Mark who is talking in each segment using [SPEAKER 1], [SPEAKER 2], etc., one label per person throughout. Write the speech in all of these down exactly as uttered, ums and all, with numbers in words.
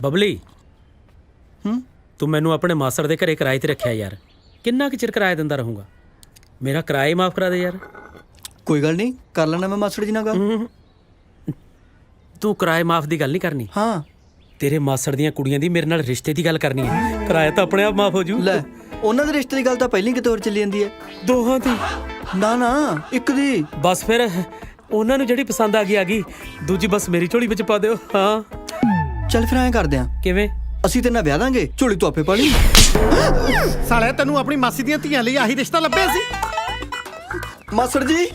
[SPEAKER 1] बबली
[SPEAKER 2] हूँ
[SPEAKER 1] तू मैनू अपने मासड़ दे घरे किराए ते रखिया यार, किन्ना कुर चिर किराया दिंदा रहूँगा। मेरा किराया ही माफ़ करा दे यार।
[SPEAKER 2] कोई गल नहीं, कर लेना मैं मासड़ जी नाल गल।
[SPEAKER 1] तू किराए माफ़ की गल नहीं करनी।
[SPEAKER 2] हाँ
[SPEAKER 1] तेरे मासड़ दियां कुड़ियां दी मेरे नाल रिश्ते की गल करनी है। किराया तो अपने आप माफ़ हो जू।
[SPEAKER 2] लै उन्हां दे रिश्ते की गल तां पहिली किते होर चली जांदी है।
[SPEAKER 1] दोहां दी
[SPEAKER 2] ना ना एक दी
[SPEAKER 1] बस फिर उन्हां नूं जिहड़ी पसंद आ गई आ गई, दूजी बस मेरी झोली विच पा दिओ। हाँ
[SPEAKER 2] चल फिर ऐं करदे आं,
[SPEAKER 1] किवें?
[SPEAKER 2] ਅਸੀਂ ਤੇ ਨਾ ਵਿਆਹ ਦਾਂਗੇ, ਝੋਲੀ ਤੂੰ ਆਪੇ ਪਾ ਲਈ।
[SPEAKER 3] ਸਾਲਿਆ ਤੈਨੂੰ ਆਪਣੀ ਮਾਸੀ ਦੀਆਂ ਧੀਆਂ ਲਈ ਆਹੀ ਰਿਸ਼ਤਾ ਲੱਭਿਆ ਸੀ?
[SPEAKER 2] ਮਾਸੜ ਜੀ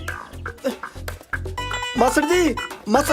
[SPEAKER 2] ਮਾਸੜ ਜੀ ਮਾਸੜ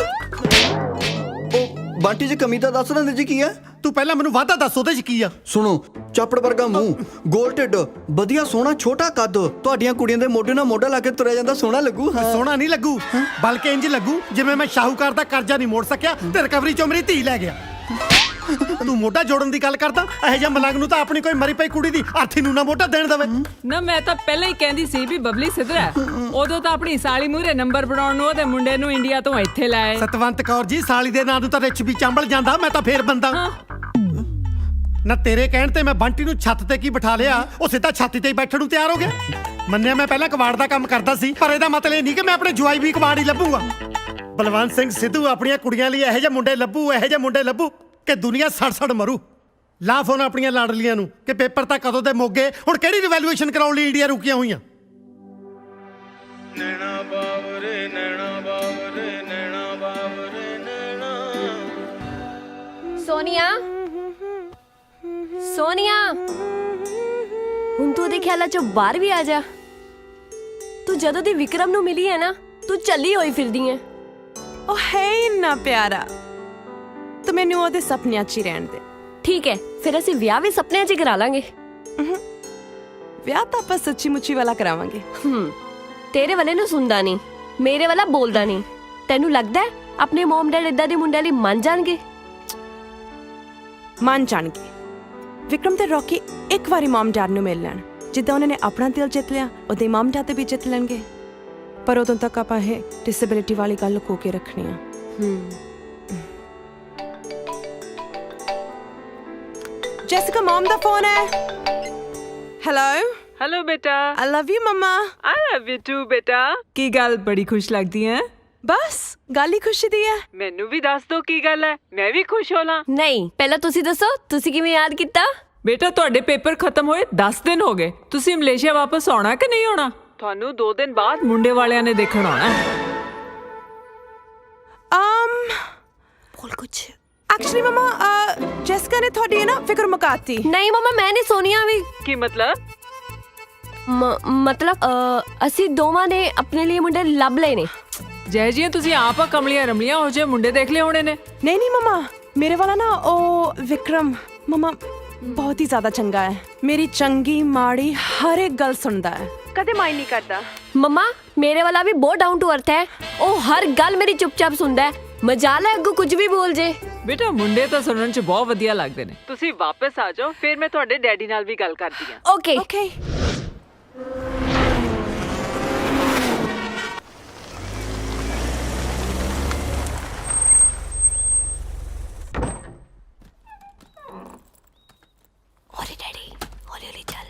[SPEAKER 2] ਉਹ ਬਾਂਟੀ 'ਚ ਕਮੀ ਤਾਂ ਦੱਸ ਦਿੰਦੇ ਜੀ ਕੀ ਹੈ?
[SPEAKER 3] ਤੂੰ ਪਹਿਲਾਂ ਮੈਨੂੰ ਵਾਧਾ ਦੱਸ ਉਹਦੇ 'ਚ ਕੀ ਆ?
[SPEAKER 2] ਸੁਣੋ, ਚਾਪੜ ਵਰਗਾ ਮੂੰਹ, ਗੋਲ ਢਿੱਡ, ਵਧੀਆ ਸੋਹਣਾ ਛੋਟਾ ਕੱਦ, ਤੁਹਾਡੀਆਂ ਕੁੜੀਆਂ ਦੇ ਮੋਢੇ ਨਾਲ ਮੋਢਾ ਲਾ ਕੇ ਤੁਰਿਆ ਜਾਂਦਾ ਸੋਹਣਾ ਲੱਗੂ। ਹਾਂ
[SPEAKER 3] ਸੋਹਣਾ ਨਹੀਂ ਲੱਗੂ, ਬਲਕਿ ਇੰਜ ਲੱਗੂ ਜਿਵੇਂ ਮੈਂ ਸ਼ਾਹੂਕਾਰ ਦਾ ਕਰਜ਼ਾ ਨਹੀਂ ਮੋੜ ਸਕਿਆ ਤੇ ਰਿਕਵਰੀ 'ਚੋਂ ਮੇਰੀ ਧੀ ਲੈ ਗਿਆ। ਤੂੰ ਮੋਢਾ ਜੋੜਨ ਦੀ ਗੱਲ ਕਰਦਾ? ਇਹੋ ਜਿਹਾ ਮਲੰਗ ਨੂੰ ਤਾਂ ਆਪਣੀ ਕੋਈ ਮਰੀ ਪਈ ਕੁੜੀ ਦੀ ਅਰਥੀ ਨੂੰ ਨਾ ਮੋਢਾ ਦੇਣ ਦੇਵੇ।
[SPEAKER 4] ਨਾ ਮੈਂ ਤਾਂ ਪਹਿਲਾਂ ਹੀ ਕਹਿੰਦੀ ਸੀ ਵੀ ਬਬਲੀ ਸਿੱਧਰਾ ਹੈ। ਉਦੋਂ ਤਾਂ ਆਪਣੀ ਸਾਲੀ ਮੂਹਰੇ ਨੰਬਰ ਬਣਾਉਣ ਨੂੰ ਉਹਦੇ ਮੁੰਡੇ ਨੂੰ ਇੰਡੀਆ ਤੋਂ ਇੱਥੇ ਲਾਏ।
[SPEAKER 3] ਸਤਵੰਤ ਕੌਰ ਜੀ, ਸਾਲੀ ਦੇ ਨਾਂ ਨੂੰ ਤਾਂ ਰਿਛ ਵੀ ਚੰਬਲ ਜਾਂਦਾ, ਮੈਂ ਤਾਂ ਫੇਰ ਬੰਦਾ ਨਾ। ਤੇਰੇ ਕਹਿਣ ਤੇ ਮੈਂ ਬੰਟੀ ਨੂੰ ਛੱਤ ਤੇ ਕੀ ਬਿਠਾ ਲਿਆ, ਉਹ ਸਿੱਧਾ ਛਾਤੀ ਤੇ ਹੀ ਬੈਠਣ ਨੂੰ ਤਿਆਰ ਹੋ ਗਿਆ। ਮੰਨਿਆ ਮੈਂ ਪਹਿਲਾਂ ਕਬਾੜ ਦਾ ਕੰਮ ਕਰਦਾ ਸੀ, ਪਰ ਇਹਦਾ ਮਤਲਬ ਇਹ ਨਹੀਂ ਕਿ ਮੈਂ ਆਪਣੇ ਜਵਾਈ ਵੀ ਕਬਾੜ ਹੀ ਲੱਭੂਗਾ। ਬਲਵੰਤ ਸਿੰਘ ਸਿੱਧੂ ਆਪਣੀਆਂ ਕੁੜੀਆਂ ਲਈ ਇਹੋ ਜਿਹੇ ਮੁੰਡੇ ਲੱਭੂ, ਇਹੋ ਜਿਹੇ ਮੁੰਡੇ ਲੱਭੂ ਕਿ ਦੁਨੀਆ ਸੜ ਸੜ ਮਰੂ। ਲਾ ਫੋਨ ਆਪਣੀਆਂ ਲਾਡਲੀਆਂ ਨੂੰ ਕਿ ਪੇਪਰ ਤਾਂ ਕਦੋਂ ਦੇ ਮੋਗੇ, ਹੁਣ ਕਿਹੜੀ ਰਿਵੈਲੂਏਸ਼ਨ ਕਰਾਉਣ ਲਈ ਇੰਡੀਆ ਰੁਕੀਆਂ ਹੋਈਆਂ।
[SPEAKER 5] ਨੈਣਾ ਬਾਵਰੇ ਨੈਣਾ ਬਾਵਰੇ ਨੈਣਾ ਬਾਵਰੇ ਨੈਣਾ।
[SPEAKER 6] ਸੋਨੀਆ ਸੋਨੀਆ ਹੁਣ ਤੂੰ ਉਹਦੇ ਖਿਆਲਾਂ ਚੋਂ ਬਾਹਰ ਵੀ ਆ ਜਾ। ਤੂੰ ਜਦੋਂ ਦੀ ਵਿਕਰਮ ਨੂੰ ਮਿਲੀ ਹੈ ਨਾ, ਤੂੰ ਚੱਲੀ ਹੋਈ ਫਿਰਦੀ ਹੈ।
[SPEAKER 7] ਉਹ ਹੈ ਇੰਨਾ ਪਿਆਰਾ, ਤੂੰ ਮੈਨੂੰ ਉਹਦੇ ਸੁਪਨਿਆਂ 'ਚ ਹੀ ਰਹਿਣ ਦੇ।
[SPEAKER 6] ਠੀਕ ਹੈ, ਫਿਰ ਅਸੀਂ ਵਿਆਹ ਵੀ ਸੁਪਨਿਆਂ 'ਚ ਹੀ ਕਰਾ ਲਾਂਗੇ।
[SPEAKER 7] ਵਿਆਹ ਤਾਂ ਆਪਾਂ ਸੱਚੀ ਮੁੱਚੀ ਵਾਲਾ ਕਰਾਵਾਂਗੇ।
[SPEAKER 6] ਹੂੰ ਤੇਰੇ ਵਾਲੇ ਨੂੰ ਸੁਣਦਾ ਨਹੀਂ, ਮੇਰੇ ਵਾਲਾ ਬੋਲਦਾ ਨਹੀਂ। ਤੈਨੂੰ ਲੱਗਦਾ ਹੈ ਆਪਣੇ ਮਮ ਡੈਡ ਇਦਾਂ ਦੇ ਮੁੰਡਿਆਂ ਲਈ ਮੰਨ ਜਾਣਗੇ?
[SPEAKER 7] ਮੰਨ ਜਾਣਗੇ। ਵਿਕਰਮ ਤੇ ਰੌਕੀ ਇੱਕ ਵਾਰੀ ਮਮ ਡੈਡ ਨੂੰ ਮਿਲ ਲੈਣ, ਜਿੱਦਾਂ ਉਹਨਾਂ ਨੇ ਆਪਣਾ ਦਿਲ ਜਿੱਤ ਲਿਆ, ਉਹਦੇ ਮਮ ਡੈਡ ਤੇ ਵੀ ਜਿੱਤ ਲੈਣਗੇ। ਪਰ ਉਦੋਂ ਤੱਕ ਆਪਾਂ ਇਹ ਡਿਸੇਬਿਲਿਟੀ ਵਾਲੀ ਗੱਲ ਲੁਕੋ ਕੇ ਰੱਖਣੀ ਆ।
[SPEAKER 6] ਹੂੰ
[SPEAKER 7] ਜੈਸਿਕਾ ਮਮ ਦਾ ਫੋਨ ਹੈ। ਹੈਲੋ
[SPEAKER 4] ਹੈਲੋ ਬੇਟਾ।
[SPEAKER 7] I love you mama.
[SPEAKER 4] I love you too ਬੇਟਾ। ਕੀ ਗੱਲ, ਬੜੀ ਖੁਸ਼ ਲੱਗਦੀ ਹੈ?
[SPEAKER 7] ਬਸ ਗੱਲ ਹੀ ਖੁਸ਼ੀ ਦੀ ਹੈ।
[SPEAKER 4] ਮੈਨੂੰ ਵੀ ਦੱਸ ਦੋ ਕੀ ਗੱਲ ਹੈ, ਮੈਂ ਵੀ ਖੁਸ਼ ਹੋ ਲਾਂ।
[SPEAKER 6] ਨਹੀਂ, ਪਹਿਲਾਂ ਤੁਸੀਂ ਦੱਸੋ, ਤੁਸੀਂ ਕਿਵੇਂ ਯਾਦ ਕੀਤਾ?
[SPEAKER 4] ਬੇਟਾ ਤੁਹਾਡੇ ਪੇਪਰ ਖਤਮ ਹੋਏ ਦਸ ਦਿਨ ਹੋ ਗਏ। ਤੁਸੀਂ ਮਲੇਸ਼ੀਆ ਵਾਪਸ ਆਉਣਾ ਕਿ ਨਹੀਂ ਆਉਣਾ? ਤੁਹਾਨੂੰ ਦੋ ਦਿਨ ਬਾਅਦ ਮੁੰਡੇ ਵਾਲਿਆਂ ਨੇ ਦੇਖਣ ਆਉਣਾ।
[SPEAKER 7] um ਬੋਲ ਕੁਛ। ਐਕਚੁਅਲੀ ਮਮਾ ਜੈਸਿਕਾ ਨੇ ਤੁਹਾਡੀ ਨਾ ਫਿਕਰ ਮੁਕਾਤੀ।
[SPEAKER 6] ਨਹੀਂ ਮਮਾ, ਮੈਂ ਨਹੀਂ ਸੋਨੀਆ ਵੀ।
[SPEAKER 4] ਕੀ ਮਤਲਬ?
[SPEAKER 6] ਮਤਲਬ ਅਸੀਂ ਦੋਵਾਂ ਨੇ ਆਪਣੇ ਲਈ ਮੁੰਡੇ ਲੱਭ ਲਏ ਨੇ।
[SPEAKER 4] ਜੈ ਜੀ ਤੁਸੀਂ ਆਪ ਆ ਕਮਲੀਆਂ ਰਮਲੀਆਂ ਹੋ ਜੇ ਮੁੰਡੇ ਦੇਖ ਲਏ ਹੋਣੇ ਨੇ।
[SPEAKER 7] ਨਹੀਂ ਨਹੀਂ ਮਮਾ, ਮੇਰੇ ਵਾਲਾ ਨਾ ਉਹ ਵਿਕਰਮ ਮਮਾ ਬਹੁਤ ਹੀ ਜ਼ਿਆਦਾ ਚੰਗਾ ਹੈ। ਮੇਰੀ ਚੰਗੀ ਮਾੜੀ ਹਰ ਇੱਕ ਗੱਲ ਸੁਣਦਾ ਹੈ, ਕਦੇ ਮਾਈਂਡ ਨਹੀਂ ਕਰਦਾ।
[SPEAKER 6] ਮਮਾ ਮੇਰੇ ਵਾਲਾ ਵੀ ਬਹੁਤ ਡਾਊਨ ਟੂ ਅਰਥ ਹੈ। ਉਹ ਹਰ ਗੱਲ ਮੇਰੀ ਚੁੱਪਚਾਪ ਸੁਣਦਾ ਹੈ। ਮਜਾਲ ਹੈ ਅੱਗੋਂ ਕੁਝ ਵੀ ਬੋਲ ਜੇ।
[SPEAKER 4] ਬੇਟਾ ਮੁੰਡੇ ਤਾਂ ਸੁਣਨ 'ਚ ਬਹੁਤ ਵਧੀਆ ਲੱਗਦੇ ਨੇ। ਤੁਸੀਂ ਵਾਪਸ ਆ ਜਾਓ, ਫਿਰ ਮੈਂ ਤੁਹਾਡੇ ਡੈਡੀ ਨਾਲ ਵੀ ਗੱਲ ਕਰਦੀ ਹਾਂ।
[SPEAKER 6] Okay
[SPEAKER 7] okay.
[SPEAKER 6] ਹੌਲੀ ਡੈਡੀ, ਹੌਲੀ ਹੌਲੀ ਚੱਲ।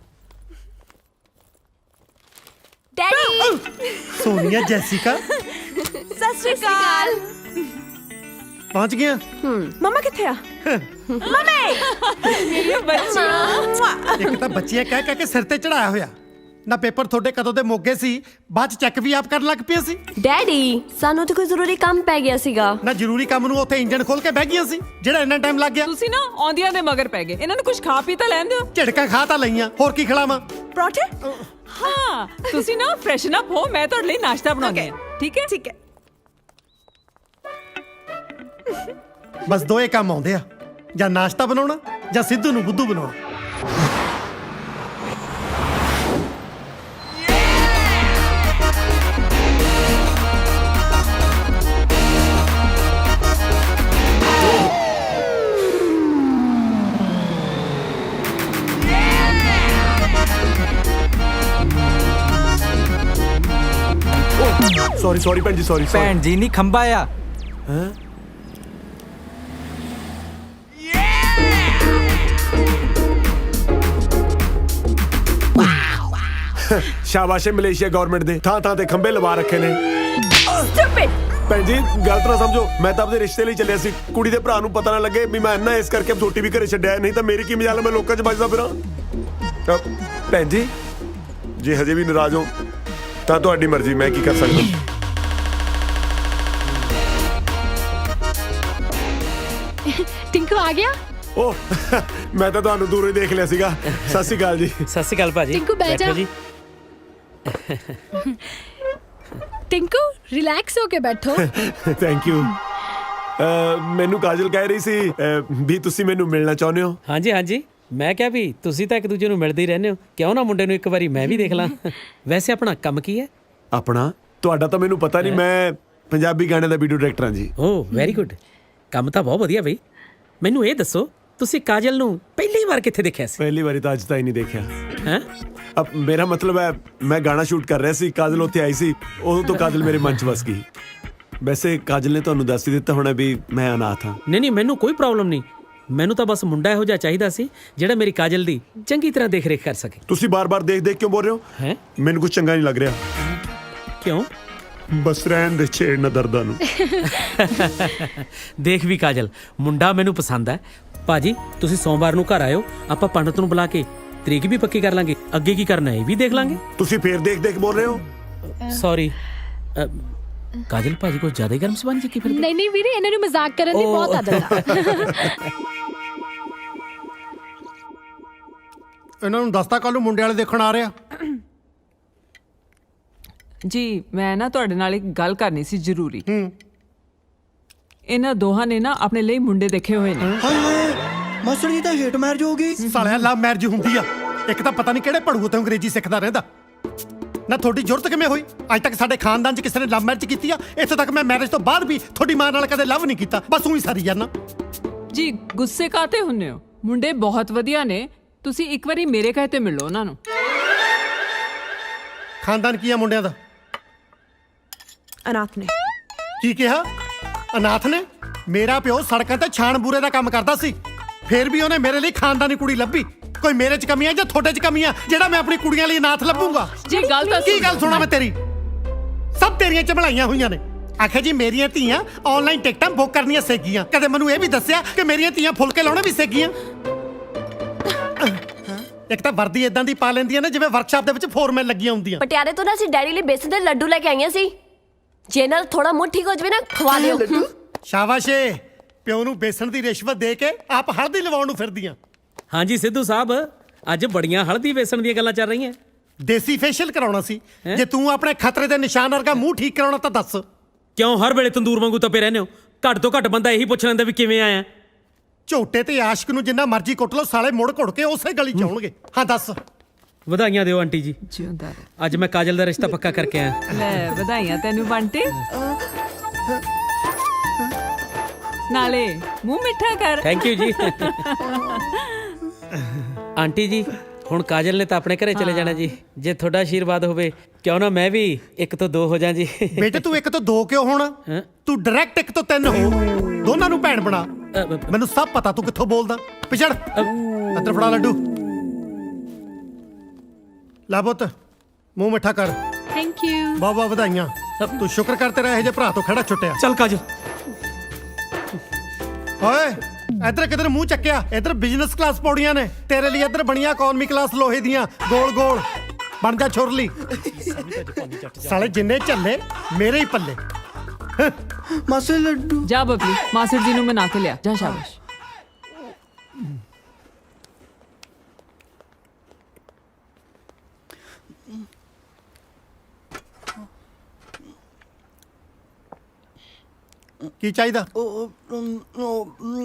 [SPEAKER 6] ਡੈਡੀ
[SPEAKER 3] ਸੋਨੀਆ, ਜੈਸਿਕਾ
[SPEAKER 7] ਸਤਿ ਸ਼੍ਰੀ ਅਕਾਲ।
[SPEAKER 3] ਪਹੁੰਚ ਗਿਆ।
[SPEAKER 7] ਮਮਾ ਕਿੱਥੇ ਆ? ਮਮੇ
[SPEAKER 4] ਮੇਰੀ ਬੱਚੀ।
[SPEAKER 3] ਇੱਕ ਤਾਂ ਬੱਚੀਆਂ ਕਹਿ ਕਹਿ ਕੇ ਸਿਰ ਤੇ ਚੜਾਇਆ ਹੋਇਆ ਨਾ। ਪੇਪਰ ਤੁਹਾਡੇ ਕਦੋਂ ਦੇ ਮੋਗੇ ਸੀ, ਬਾਅਦ ਚ ਚੈੱਕ ਵੀ ਆਪ ਕਰਨ ਲੱਗ ਪਿਆ ਸੀ।
[SPEAKER 6] ਡੈਡੀ ਸਾਨੂੰ ਤੇ ਕੋਈ ਜ਼ਰੂਰੀ ਕੰਮ ਪੈ ਗਿਆ ਸੀਗਾ
[SPEAKER 3] ਨਾ। ਜ਼ਰੂਰੀ ਕੰਮ ਨੂੰ ਉੱਥੇ ਇੰਜਣ ਖੋਲ ਕੇ ਬਹਿ ਗਈਆਂ ਸੀ ਜਿਹੜਾ ਇੰਨਾ ਟਾਈਮ ਲੱਗ ਗਿਆ।
[SPEAKER 4] ਤੁਸੀਂ ਨਾ ਆਉਂਦੀਆਂ ਦੇ ਮਗਰ ਪੈ ਗਏ। ਇਹਨਾਂ ਨੂੰ ਕੁਝ ਖਾ ਪੀ ਤਾਂ ਲੈਣ ਦਿਓ।
[SPEAKER 3] ਝਿੜਕਾਂ ਖਾ ਤਾਂ ਲਈਆਂ, ਹੋਰ ਕੀ ਖਿਲਾਵਾਂ?
[SPEAKER 7] ਪਰੌਂਠੇ?
[SPEAKER 4] ਹਾਂ ਤੁਸੀਂ ਨਾ ਫਰੈਸ਼ਨ ਅਪ ਹੋ, ਮੈਂ ਤੁਹਾਡੇ ਲਈ ਨਾਸ਼ਤਾ ਬਣਾਉਂਦੀ ਹਾਂ। ਠੀਕ ਹੈ
[SPEAKER 7] ਠੀਕ ਹੈ।
[SPEAKER 3] ਬਸ ਦੋਏ ਕੰਮ ਆਉਂਦੇ ਆ, ਜਾਂ ਨਾਸ਼ਤਾ ਬਣਾਉਣਾ ਜਾਂ ਸਿੱਧੂ ਨੂੰ ਬੁੱਧੂ ਬਣਾਉਣਾ।
[SPEAKER 8] ਸੌਰੀ ਸੌਰੀ ਭੈਣ ਜੀ, ਸੌਰੀ।
[SPEAKER 9] ਭੈਣ ਜੀ ਨਹੀਂ, ਖੰਭਾ ਆ।
[SPEAKER 8] ਹੈਂ? ਸ਼ਾਬਾਸ਼ ਏ ਮਲੇਸ਼ੀਆ ਗਵਰਨਮੈਂਟ ਦੇ ਥਾਂ ਥਾਂ ਤੇ ਖੰਭੇ ਲਵਾ ਰੱਖੇ ਨੇ।
[SPEAKER 6] ਸਟੂਪਿਡ।
[SPEAKER 8] ਭੈਣ ਜੀ ਗਲਤ ਨਾ ਸਮਝੋ, ਮੈਂ ਤਾਂ ਆਪਦੇ ਰਿਸ਼ਤੇ ਲਈ ਚੱਲਿਆ ਸੀ। ਕੁੜੀ ਦੇ ਭਰਾ ਨੂੰ ਪਤਾ ਨਾ ਲੱਗੇ ਵੀ ਮੈਂ ਇੰਨਾ ਇਸ ਕਰਕੇ ਛੋਟੀ ਵੀ ਘਰੇ ਛੱਡਿਆ, ਨਹੀਂ ਤਾਂ ਮੇਰੀ ਕੀ ਮਜਾਲ ਮੈਂ ਲੋਕਾਂ 'ਚ ਵੱਜਦਾ ਫਿਰਾਂ। ਅ, ਭੈਣ ਜੀ ਜੇ ਹਜੇ ਵੀ ਨਾਰਾਜ਼ ਹੋ ਤਾਂ ਤੁਹਾਡੀ ਮਰਜ਼ੀ, ਮੈਂ ਕੀ ਕਰ ਸਕਦਾ।
[SPEAKER 9] ਟਿੰਕੂ ਆ ਗਿਆ।
[SPEAKER 8] ਓਹ ਮੈਂ ਤਾਂ ਤੁਹਾਨੂੰ ਦੂਰੋਂ ਹੀ ਦੇਖ ਲਿਆ ਸੀਗਾ। ਸਤਿ ਸ਼੍ਰੀ ਅਕਾਲ ਜੀ।
[SPEAKER 1] ਸਤਿ ਸ਼੍ਰੀ ਅਕਾਲ ਭਾਜੀ।
[SPEAKER 9] ਟਿੰਕੂ ਬਹਿ ਜਾ।
[SPEAKER 1] ਬੈਠੋ ਜੀ।
[SPEAKER 9] ਟਿੰਕੂ ਰਿਲੈਕਸ ਹੋ ਕੇ ਬੈਠੋ।
[SPEAKER 8] Thank you. ਮੈਨੂੰ ਕਾਜਲ ਕਹਿ ਰਹੀ ਸੀ ਅ, ਵੀ ਤੁਸੀਂ ਮੈਨੂੰ ਮਿਲਣਾ ਚਾਹੁੰਦੇ ਹੋ।
[SPEAKER 1] ਹਾਂਜੀ ਹਾਂਜੀ, ਮੈਂ ਕਿਹਾ ਵੀ ਤੁਸੀਂ ਤਾਂ ਇੱਕ ਦੂਜੇ ਨੂੰ ਮਿਲਦੇ ਹੀ ਰਹਿੰਦੇ ਹੋ, ਕਿਉਂ ਨਾ ਮੁੰਡੇ ਨੂੰ ਇੱਕ ਵਾਰੀ ਮੈਂ ਵੀ ਦੇਖ ਲਾਂ। ਵੈਸੇ ਆਪਣਾ ਕੰਮ ਕੀ ਹੈ?
[SPEAKER 8] ਆਪਣਾ ਤੁਹਾਡਾ ਤਾਂ ਮੈਨੂੰ ਪਤਾ ਨਹੀਂ, ਮੈਂ ਪੰਜਾਬੀ ਗਾਣੇ ਦਾ ਵੀਡੀਓ ਡਾਇਰੈਕਟਰ ਹਾਂ ਜੀ।
[SPEAKER 1] ਓਹ ਵੈਰੀ ਗੁੱਡ, ਕੰਮ ਤਾਂ ਬਹੁਤ ਵਧੀਆ ਬਈ। ਮੈਨੂੰ ਇਹ ਦੱਸੋ ਤੁਸੀਂ ਕਾਜਲ ਨੂੰ ਪਹਿਲੀ ਵਾਰ ਕਿੱਥੇ ਦੇਖਿਆ ਸੀ?
[SPEAKER 8] ਪਹਿਲੀ ਵਾਰੀ ਤਾਂ ਅੱਜ ਤਾਈਂ ਨਹੀਂ ਦੇਖਿਆ।
[SPEAKER 1] ਹੈਂ?
[SPEAKER 8] ਅਬ ਮੇਰਾ ਮਤਲਬ ਹੈ ਮੈਂ ਗਾਣਾ ਸ਼ੂਟ ਕਰ ਰਿਹਾ ਸੀ, ਕਾਜਲ ਉੱਥੇ ਆਈ ਸੀ, ਉਦੋਂ ਤੋਂ ਕਾਜਲ ਮੇਰੇ ਮਨ 'ਚ ਵਸ ਗਈ। ਵੈਸੇ ਕਾਜਲ ਨੇ ਤੁਹਾਨੂੰ ਦੱਸ ਹੀ ਦਿੱਤਾ ਹੋਣਾ ਵੀ ਮੈਂ ਅਨਾਥ ਹਾਂ।
[SPEAKER 1] ਨਹੀਂ ਨਹੀਂ, ਮੈਨੂੰ ਕੋਈ ਪ੍ਰੋਬਲਮ ਨਹੀਂ। ਮੈਨੂੰ ਤਾਂ ਬਸ ਮੁੰਡਾ ਇਹੋ ਜਿਹਾ ਚਾਹੀਦਾ ਸੀ ਜਿਹੜਾ ਮੇਰੀ ਕਾਜਲ ਦੀ ਚੰਗੀ ਤਰ੍ਹਾਂ ਦੇਖ ਰੇਖ ਕਰ ਸਕੇ।
[SPEAKER 8] ਤੁਸੀਂ ਬਾਰ-ਬਾਰ ਦੇਖ-ਦੇਖ ਕਿਉਂ ਬੋਲ ਰਹੇ ਹੋ?
[SPEAKER 1] ਹੈਂ?
[SPEAKER 8] ਮੈਨੂੰ ਕੁਝ ਚੰਗਾ ਨਹੀਂ ਲੱਗ ਰਿਹਾ।
[SPEAKER 1] ਕਿਉਂ?
[SPEAKER 8] ਬਸ ਰਹਿਣ ਦੇ, ਛੇੜ ਨਾ ਦਰਦਾਂ ਨੂੰ।
[SPEAKER 1] ਦੇਖ ਵੀ ਕਾਜਲ, ਮੁੰਡਾ ਮੈਨੂੰ ਪਸੰਦ ਹੈ। ਭਾਜੀ ਤੁਸੀਂ ਸੋਮਵਾਰ ਨੂੰ ਘਰ ਆਇਓ, ਆਪਾਂ ਪੰਡਤ ਨੂੰ ਬੁਲਾ ਕੇ ਤਰੀਕ ਵੀ ਪੱਕੀ ਕਰ ਲਾਂਗੇ, ਅੱਗੇ ਕੀ ਕਰਨਾ ਇਹ ਵੀ ਦੇਖ ਲਾਂਗੇ।
[SPEAKER 8] ਤੁਸੀਂ ਫੇਰ ਦੇਖ-ਦੇਖ ਬੋਲ ਰਹੇ ਹੋ।
[SPEAKER 1] ਸੌਰੀ ਕਾਜਲ, ਭਾਜੀ ਕੋਈ ਜ਼ਿਆਦਾ ਹੀ ਗਰਮ ਸਬੰਧ ਜੀ ਕੀ ਫਿਰ?
[SPEAKER 9] ਨਹੀਂ ਨਹੀਂ ਵੀਰੇ, ਇਹਨਾਂ ਨੂੰ ਮਜ਼ਾਕ ਕਰਨ ਦੀ ਬਹੁਤ ਆਦਤ ਆ।
[SPEAKER 3] ਇਹਨਾਂ ਨੂੰ ਦੱਸਤਾ ਕੱਲ ਨੂੰ ਮੁੰਡੇ ਵਾਲੇ ਦੇਖਣ ਆ ਰਿਹਾ।
[SPEAKER 4] ਜੀ ਮੈਂ ਨਾ ਤੁਹਾਡੇ ਨਾਲ ਇੱਕ ਗੱਲ ਕਰਨੀ ਸੀ ਜ਼ਰੂਰੀ। ਇਹਨਾਂ ਦੋਹਾਂ ਨੇ ਨਾ ਆਪਣੇ ਲਈ ਮੁੰਡੇ ਦੇਖੇ ਹੋਏ ਨੇ।
[SPEAKER 2] ਹਾਏ ਹਾਏ ਮਾਸਟਰ ਜੀ ਤਾਂ ਹੇਟ ਮੈਰਿਜ ਹੋ ਗਈ।
[SPEAKER 3] ਸਾਲਿਆ ਲਵ ਮੈਰਿਜ ਹੁੰਦੀ ਆ। ਇੱਕ ਤਾਂ ਪਤਾ ਨਹੀਂ ਕਿਹੜੇ ਪੜੂਏ ਤੋਂ ਅੰਗਰੇਜ਼ੀ ਸਿੱਖਦਾ ਰਹਿੰਦਾ। ਨਾ ਤੁਹਾਡੀ ਜ਼ਰੂਰਤ ਕਿਵੇਂ ਹੋਈ? ਅੱਜ ਤੱਕ ਸਾਡੇ ਖਾਨਦਾਨ 'ਚ ਕਿਸੇ ਨੇ ਲਵ ਮੈਰਿਜ ਕੀਤੀ ਆ? ਇੱਥੇ ਤੱਕ ਮੈਂ ਮੈਰਿਜ ਤੋਂ ਬਾਅਦ ਵੀ ਤੁਹਾਡੀ ਮਾਂ ਨਾਲ ਕਦੇ ਲਵ ਨਹੀਂ ਕੀਤਾ, ਬਸ ਉਹੀ ਸਾਰੀ ਜਾਨਾ।
[SPEAKER 4] ਜੀ ਗੁੱਸੇ ਕਾਤੇ ਹੁੰਨੇ ਹੋ? ਮੁੰਡੇ ਬਹੁਤ ਵਧੀਆ ਨੇ, ਤੁਸੀਂ ਇੱਕ ਵਾਰੀ ਮੇਰੇ ਕਹੇ ਤੇ ਮਿਲੋ ਉਹਨਾਂ ਨੂੰ।
[SPEAKER 3] ਖਾਨਦਾਨ ਕੀ ਆ ਮੁੰਡਿਆਂ ਦਾ?
[SPEAKER 7] ਅਨਾਥ ਨੇ।
[SPEAKER 3] ਕੀ ਕਿਹਾ? ਅਨਾਥ ਨੇ? ਮੇਰਾ ਪਿਓ ਸੜਕਾਂ ਤੇ ਛਾਣ ਬੂਰੇ ਦਾ ਕੰਮ ਕਰਦਾ ਸੀ, ਫੇਰ ਵੀ ਉਹਨੇ ਮੇਰੇ ਲਈ ਖਾਨਦਾਨੀ ਕੁੜੀ ਲੱਭੀ। ਕੋਈ ਮੇਰੇ 'ਚ ਕਮੀਆਂ ਜਾਂ ਤੁਹਾਡੇ 'ਚ ਕਮੀਆਂ ਜਿਹੜਾ ਮੈਂ ਆਪਣੀ ਕੁੜੀਆਂ ਲਈ ਅਨਾਥ ਲੱਭੂੰਗਾ?
[SPEAKER 4] ਜੀ ਗੱਲ ਤਾਂ
[SPEAKER 3] ਕੀ ਗੱਲ ਸੁਣਾ ਮੈਂ ਤੇਰੀ? ਸਭ ਤੇਰੀਆਂ ਚਬਲਾਈਆਂ ਹੋਈਆਂ ਨੇ। ਆਖਿਆ ਜੀ ਮੇਰੀਆਂ ਧੀਆਂ ਆਨਲਾਈਨ ਟਿਕਟਾਂ ਬੁੱਕ ਕਰਨੀਆਂ ਸਿੱਖ ਗਈਆਂ। ਕਦੇ ਮੈਨੂੰ ਇਹ ਵੀ ਦੱਸਿਆ ਕਿ ਮੇਰੀਆਂ ਧੀਆਂ ਫੁਲਕੇ ਲਾਉਣੇ ਵੀ ਸਿੱਖ ਗਈਆਂ। ਇੱਕ ਤਾਂ ਵਰਦੀ ਇਦਾਂ ਦੀ ਪਾ ਲੈਂਦੀਆਂ ਨੇ ਜਿਵੇਂ ਵਰਕਸ਼ਾਪ ਦੇ ਵਿੱਚ ਫੋਰਮੈਨ ਲੱਗੀਆਂ ਹੁੰਦੀਆਂ।
[SPEAKER 6] ਪਟਿਆਲੇ ਤੋਂ ਨਾ ਅਸੀਂ ਡੈਡੀ ਲਈ ਬੇਸਨ ਦੇ ਲੱਡੂ ਲੈ ਕੇ ਆਈਆਂ ਸੀ। ਜੇ ਨਾਲ ਥੋੜਾ ਮੂੰਹ ਠੀਕ ਹੋ ਜਵੇ ਨਾ ਖਵਾ ਲਿਓ।
[SPEAKER 3] ਸ਼ਾਬਾਸ਼ ਏ, ਪਿਓ ਨੂੰ ਬੇਸਣ ਦੀ ਰਿਸ਼ਵਤ ਦੇ ਕੇ ਆਪ ਹਲਦੀ ਲਵਾਉਣ ਨੂੰ ਫਿਰਦੀਆਂ।
[SPEAKER 1] ਹਾਂਜੀ ਸਿੱਧੂ ਸਾਹਿਬ, ਅੱਜ ਬੜੀਆਂ ਹਲਦੀ ਵੇਸਣ ਦੀਆਂ ਗੱਲਾਂ ਚੱਲ ਰਹੀਆਂ।
[SPEAKER 3] ਦੇਸੀ ਫੇਸ਼ੀਅਲ ਕਰਾਉਣਾ ਸੀ। ਜੇ ਤੂੰ ਆਪਣੇ ਖਤਰੇ ਦੇ ਨਿਸ਼ਾਨ ਵਰਗਾ ਮੂੰਹ ਠੀਕ ਕਰਾਉਣਾ ਤਾਂ ਦੱਸ।
[SPEAKER 1] ਕਿਉਂ ਹਰ ਵੇਲੇ ਤੰਦੂਰ ਵਾਂਗੂ ਤਪੇ ਰਹਿੰਦੇ ਹੋ? ਘੱਟ ਤੋਂ ਘੱਟ ਬੰਦਾ ਇਹੀ ਪੁੱਛ ਲੈਂਦਾ ਵੀ ਕਿਵੇਂ ਆਇਆ।
[SPEAKER 3] ਝੋਟੇ ਤੇ ਆਸ਼ਕ ਨੂੰ ਜਿੰਨਾ ਮਰਜ਼ੀ ਕੁੱਟ ਲਓ, ਸਾਲੇ ਮੁੜ ਘੁੜ ਕੇ ਉਸੇ ਗਲੀ ਚ ਆਉਣਗੇ। ਹਾਂ ਦੱਸ।
[SPEAKER 1] ਵਧਾਈਆਂ ਦਿਓ ਆਂਟੀ ਜੀ,
[SPEAKER 4] ਜਿਉਂਦਾ ਰਹਿ।
[SPEAKER 1] ਅੱਜ ਮੈਂ ਕਾਜਲ ਦਾ ਰਿਸ਼ਤਾ ਪੱਕਾ ਕਰਕੇ ਆਇਆ।
[SPEAKER 4] ਲੈ ਵਧਾਈਆਂ ਤੈਨੂੰ ਬੰਟੇ। ਨਾਲੇ ਮੂੰਹ ਮਿੱਠਾ ਕਰ।
[SPEAKER 1] ਥੈਂਕ ਯੂ ਜੀ। ਆਂਟੀ ਜੀ ਹੁਣ ਕਾਜਲ ਨੇ ਤਾਂ ਆਪਣੇ ਘਰੇ ਚਲੇ ਜਾਣਾ ਜੀ। ਜੇ ਤੁਹਾਡਾ ਆਸ਼ੀਰਵਾਦ ਹੋਵੇ ਕਿਉਂ ਨਾ ਮੈਂ ਵੀ ਇੱਕ ਤੋਂ ਦੋ ਹੋ ਜਾਂ ਜੀ।
[SPEAKER 3] ਬੇਟੇ ਤੂੰ ਇੱਕ ਤੋਂ ਦੋ ਕਿਉਂ ਹੋਣਾ?
[SPEAKER 1] ਹੈਂ?
[SPEAKER 3] ਤੂੰ ਡਾਇਰੈਕਟ ਇੱਕ ਤੋਂ ਤਿੰਨ ਹੋ, ਦੋਨਾਂ ਨੂੰ ਭੈਣ ਬਣਾ।
[SPEAKER 1] ਅ, ਬ-
[SPEAKER 3] ਮੈਨੂੰ ਸਭ ਪਤਾ ਤੂੰ ਕਿੱਥੋਂ ਬੋਲਦਾ। ਪਿਛੜ ਅੰਦਰ ਫੜਾ ਲੱਡੂ। ਲੈ ਪੁੱਤ ਮੂੰਹ ਮਿੱਠਾ ਕਰ।
[SPEAKER 9] Thank you.
[SPEAKER 3] ਬਹੁਤ ਬਹੁਤ ਵਧਾਈਆਂ। ਤੂੰ ਸ਼ੁਕਰ ਕਰ ਤੇਰਾ ਇਹੋ ਜਿਹੇ ਭਰਾ ਤੋਂ ਖੜਾ ਛੁੱਟਿਆ।
[SPEAKER 1] ਚੱਲ ਕਾਜਲ।
[SPEAKER 3] ਓਏ ਇੱਧਰ ਕਿਧਰ ਮੂੰਹ ਚੱਕਿਆ? ਇੱਧਰ ਬਿਜ਼ਨਸ ਕਲਾਸ ਪੌੜੀਆਂ ਨੇ ਤੇਰੇ ਲਈ, ਇੱਧਰ ਬਣੀਆਂ ਇਕਨੋਮੀ ਕਲਾਸ ਲੋਹੇ ਦੀਆਂ ਗੋਲ ਗੋਲ। ਬਣ ਜਾ ਛੁਰਲੀ। ਸਾਲੇ ਜਿੰਨੇ ਝੱਲੇ ਮੇਰੇ ਹੀ ਪੱਲੇ।
[SPEAKER 2] ਮਾਸਟਰ ਲੱਡੂ।
[SPEAKER 4] ਜਾ ਬਬਲੀ, ਮਾਸੜ ਜੀ ਨੂੰ ਮਨਾ ਕੇ ਲਿਆ ਜਾ। ਸ਼ਾਬਾਸ਼।
[SPEAKER 3] ਕੀ ਚਾਹੀਦਾ?
[SPEAKER 2] ਉਹ, ਅਮ, ਉਹ, ਅਮ,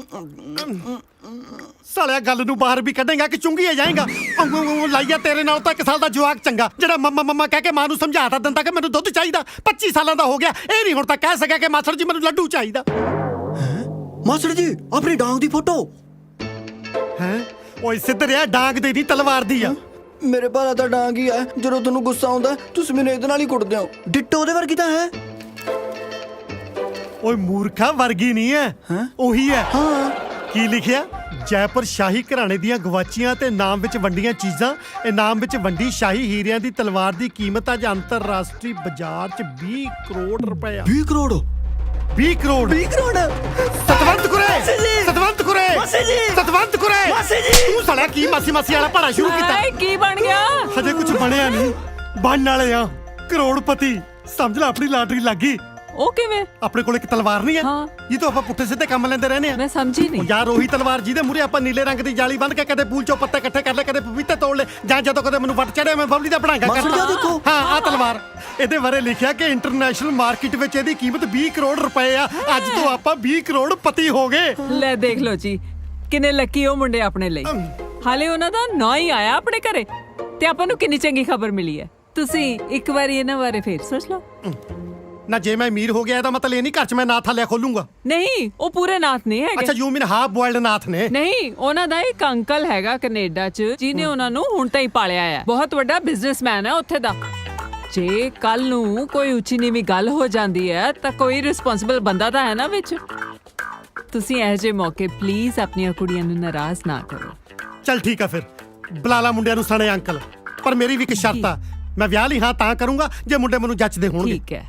[SPEAKER 3] ਸਾਲਿਆ ਗੱਲ ਨੂੰ ਬਾਹਰ ਵੀ ਕੱਢੇਗਾ ਕਿ ਚੁੰਗੀਏ ਜਾਏਗਾ? ਲਾਈਆ ਤੇਰੇ ਨਾਲ ਤਾਂ ਇੱਕ ਸਾਲ ਦਾ ਜਵਾਕ ਚੰਗਾ ਜਿਹੜਾ ਮੰਮਾ ਮੰਮਾ ਕਹਿ ਕੇ ਮਾਂ ਨੂੰ ਸਮਝਾਤਾ ਦਿੰਦਾ ਕਿ ਮੈਨੂੰ ਦੁੱਧ ਚਾਹੀਦਾ। ਪੱਚੀ ਸਾਲਾਂ ਦਾ ਹੋ ਗਿਆ, ਇਹ ਨਹੀਂ ਹੁਣ ਤਾਂ ਕਹਿ ਸਕਿਆ ਕਿ ਮਾਸੜ ਜੀ ਮੈਨੂੰ ਲੱਡੂ ਚਾਹੀਦਾ।
[SPEAKER 2] ਮਾਸਟਰ ਜੀ ਆਪਣੀ ਡਾਂਗ ਦੀ ਫੋਟੋ।
[SPEAKER 3] ਹੈ ਓਏ ਸਿੱਧਰਿਆ, ਡਾਂਗ ਦੀ ਨਹੀਂ ਤਲਵਾਰ ਦੀ ਆ।
[SPEAKER 2] ਮੇਰੇ ਭਾਰਾ ਤਾਂ ਡਾਂਗ ਹੀ ਆ। ਜਦੋਂ ਤੁਹਾਨੂੰ ਗੁੱਸਾ ਆਉਂਦਾ ਤੁਸੀਂ ਮੈਨੂੰ ਇਹਦੇ ਨਾਲ ਹੀ ਕੁੱਟਦੇ ਹੋ। ਡਿੱਟੋ ਉਹਦੇ ਵਰਗੀ ਤਾਂ ਹੈ।
[SPEAKER 3] ਓਏ ਮੂਰਖਾ, ਵਰਗੀ ਨਹੀਂ ਹੈ, ਉਹੀ ਹੈ।
[SPEAKER 2] ਹਾਂ
[SPEAKER 3] ਕੀ ਲਿਖਿਆ? ਜੈਪੁਰ ਸ਼ਾਹੀ ਘਰਾਣੇ ਦੀਆਂ ਗਵਾਚੀਆਂ ਤੇ ਨਾਮ ਵਿੱਚ ਵੰਡੀਆਂ ਚੀਜ਼ਾਂ। ਇਨਾਮ ਵਿੱਚ ਵੰਡੀ ਸ਼ਾਹੀ ਹੀਰਿਆਂ ਦੀ ਤਲਵਾਰ ਦੀ ਕੀਮਤ ਅੱਜ ਅੰਤਰਰਾਸ਼ਟਰੀ ਬਾਜ਼ਾਰ 'ਚ ਵੀਹ ਕਰੋੜ ਰੁਪਏ ਆ।
[SPEAKER 2] ਵੀਹ ਕਰੋੜ
[SPEAKER 3] ਵੀਹ ਕਰੋੜ
[SPEAKER 2] ਵੀਹ ਕਰੋੜ
[SPEAKER 3] ਸਤਵੰਤ ਕੁਰੇ
[SPEAKER 2] ਜੀ!
[SPEAKER 3] ਸਤਵੰਤ ਕੁਰੇ
[SPEAKER 2] ਮਾਸੀ ਜੀ!
[SPEAKER 3] ਸਤਵੰਤ ਕੁਰੇ
[SPEAKER 2] ਮਾਸੀ ਜੀ!
[SPEAKER 3] ਤੂੰ ਸਾਲਿਆ ਕੀ ਮਾਸੀ ਮਾਸੀ ਵਾਲਾ ਭਾੜਾ ਸ਼ੁਰੂ ਕੀਤਾ?
[SPEAKER 4] ਹਾਏ ਕੀ ਬਣ ਗਿਆ?
[SPEAKER 3] ਹਜੇ ਕੁਝ ਬਣਿਆ ਨਹੀਂ, ਬਣਨ ਵਾਲੇ ਆ ਕਰੋੜਪਤੀ। ਸਮਝ ਲੈ ਆਪਣੀ ਲਾਟਰੀ ਲੱਗ ਗਈ।
[SPEAKER 4] ਉਹ ਕਿਵੇਂ?
[SPEAKER 3] ਆਪਣੇ ਕੋਲ ਇੱਕ ਤਲਵਾਰ ਨਹੀਂ ਹੈ
[SPEAKER 4] ਹਾਂ।
[SPEAKER 3] ਜੀ ਤੋਂ ਆਪਾਂ ਪੁੱਠੇ ਸਿੱਧੇ ਕੰਮ ਲੈਂਦੇ ਰਹਿੰਦੇ ਆ।
[SPEAKER 4] ਮੈਂ ਸਮਝੀ ਨਹੀਂ।
[SPEAKER 3] ਉਹ ਯਾਰ ਉਹੀ ਤਲਵਾਰ ਜਿਹਦੇ ਮੂਹਰੇ ਆਪਾਂ ਨੀਲੇ ਰੰਗ ਦੀ ਜਾਲੀ ਬੰਨ੍ਹ ਕੇ ਕਦੇ ਪੂਲ ਚੋਂ ਪੱਤੇ ਇਕੱਠੇ ਕਰ ਲੈ, ਕਦੇ ਪਪੀਤੇ ਤੋੜ ਲੈ, ਜਾਂ ਜਦੋਂ ਕਦੇ ਮੈਨੂੰ ਵੱਟ ਚੜਿਆ ਮੈਂ ਬਬਲੀ ਦਾ ਬਣਾਂਗਾ
[SPEAKER 2] ਮਾਸਟਰ ਜੀ,
[SPEAKER 3] ਕਰਦਾ।
[SPEAKER 2] ਦੇਖੋ।
[SPEAKER 3] ਹਾਂ ਆਹ ਤਲਵਾਰ, ਇਹਦੇ ਬਾਰੇ ਲਿਖਿਆ ਕਿ ਇੰਟਰਨੈਸ਼ਨਲ ਮਾਰਕੀਟ ਵਿੱਚ ਇਹਦੀ ਕੀਮਤ ਵੀਹ ਕਰੋੜ ਰੁਪਏ ਆ। ਅੱਜ ਤੋਂ ਆਪਾਂ ਵੀਹ ਕਰੋੜ ਪਤੀ ਹੋ ਗਏ।
[SPEAKER 4] ਲੈ ਦੇਖ ਲਓ ਜੀ, ਕਿੰਨੇ ਲੱਕੀ ਉਹ ਮੁੰਡੇ ਆਪਣੇ ਲਈ। ਹਾਲੇ ਉਹਨਾਂ ਦਾ ਨਾਂ ਹੀ ਆਇਆ ਆਪਣੇ ਘਰੇ ਤੇ ਆਪਾਂ ਨੂੰ ਕਿੰਨੀ ਚੰਗੀ ਖਬਰ ਮਿਲੀ ਹੈ। ਤੁਸੀਂ ਇੱਕ ਵਾਰੀ ਇਹਨਾਂ ਬਾਰੇ ਫੇਰ ਸੋਚ ਲਓ।
[SPEAKER 3] ਨਾ ਜੇ ਮੈਂ ਅਮੀਰ ਹੋ ਗਿਆ ਇਹਦਾ ਮਤਲਬ ਇਹ ਨਹੀਂ ਘਰ 'ਚ ਮੈਂ ਨਾਥ ਹਾਲਿਆ ਖੋਲੂੰਗਾ।
[SPEAKER 4] ਨਹੀਂ, ਉਹ ਪੂਰੇ ਨਾਥ ਨਹੀਂ
[SPEAKER 3] ਅੱਛਾ,
[SPEAKER 4] ਹੈਗੇ।
[SPEAKER 3] You mean half boiled Nath ਨੇ?
[SPEAKER 4] ਨਹੀਂ, ਉਹਨਾਂ ਦਾ ਇੱਕ ਅੰਕਲ ਹੈਗਾ ਕੈਨੇਡਾ 'ਚ ਜਿਹਨੇ ਉਹਨਾਂ ਨੂੰ ਹੁਣ ਤਾਂ ਹੀ ਪਾਲਿਆ ਹੈ। ਬਹੁਤ ਵੱਡਾ ਬਿਜ਼ਨਸਮੈਨ ਹੈ ਉੱਥੇ ਦਾ। ਜੇ ਕੱਲ ਨੂੰ ਕੋਈ ਉੱਚੀ ਨੀਵੀਂ ਗੱਲ ਹੋ ਜਾਂਦੀ ਹੈ ਤਾਂ ਕੋਈ ਰਿਸਪੌਂਸਿਬਲ ਬੰਦਾ ਤਾਂ ਹੈ ਨਾ ਵਿੱਚ। ਤੁਸੀਂ ਇਹੋ ਜਿਹੇ ਮੌਕੇ ਪਲੀਜ਼ ਆਪਣੀਆਂ ਕੁੜੀਆਂ ਨੂੰ ਨਾਰਾਜ਼ ਨਾ ਕਰੋ।
[SPEAKER 3] ਚੱਲ ਠੀਕ ਆ ਫਿਰ, ਬੁਲਾ ਲਾ ਮੁੰਡਿਆਂ ਨੂੰ ਸਣੇ ਅੰਕਲ। ਪਰ ਮੇਰੀ ਵੀ ਇੱਕ ਸ਼ਰਤ ਆ, ਮੈਂ ਵਿਆਹ ਲਈ ਹਾਂ ਤਾਂ ਕਰੂੰਗਾ ਜੇ ਮੁੰਡੇ ਮੈਨੂੰ ਜੱਚਦੇ ਹੋਣਗੇ।
[SPEAKER 4] ਠੀਕ ਹੈ।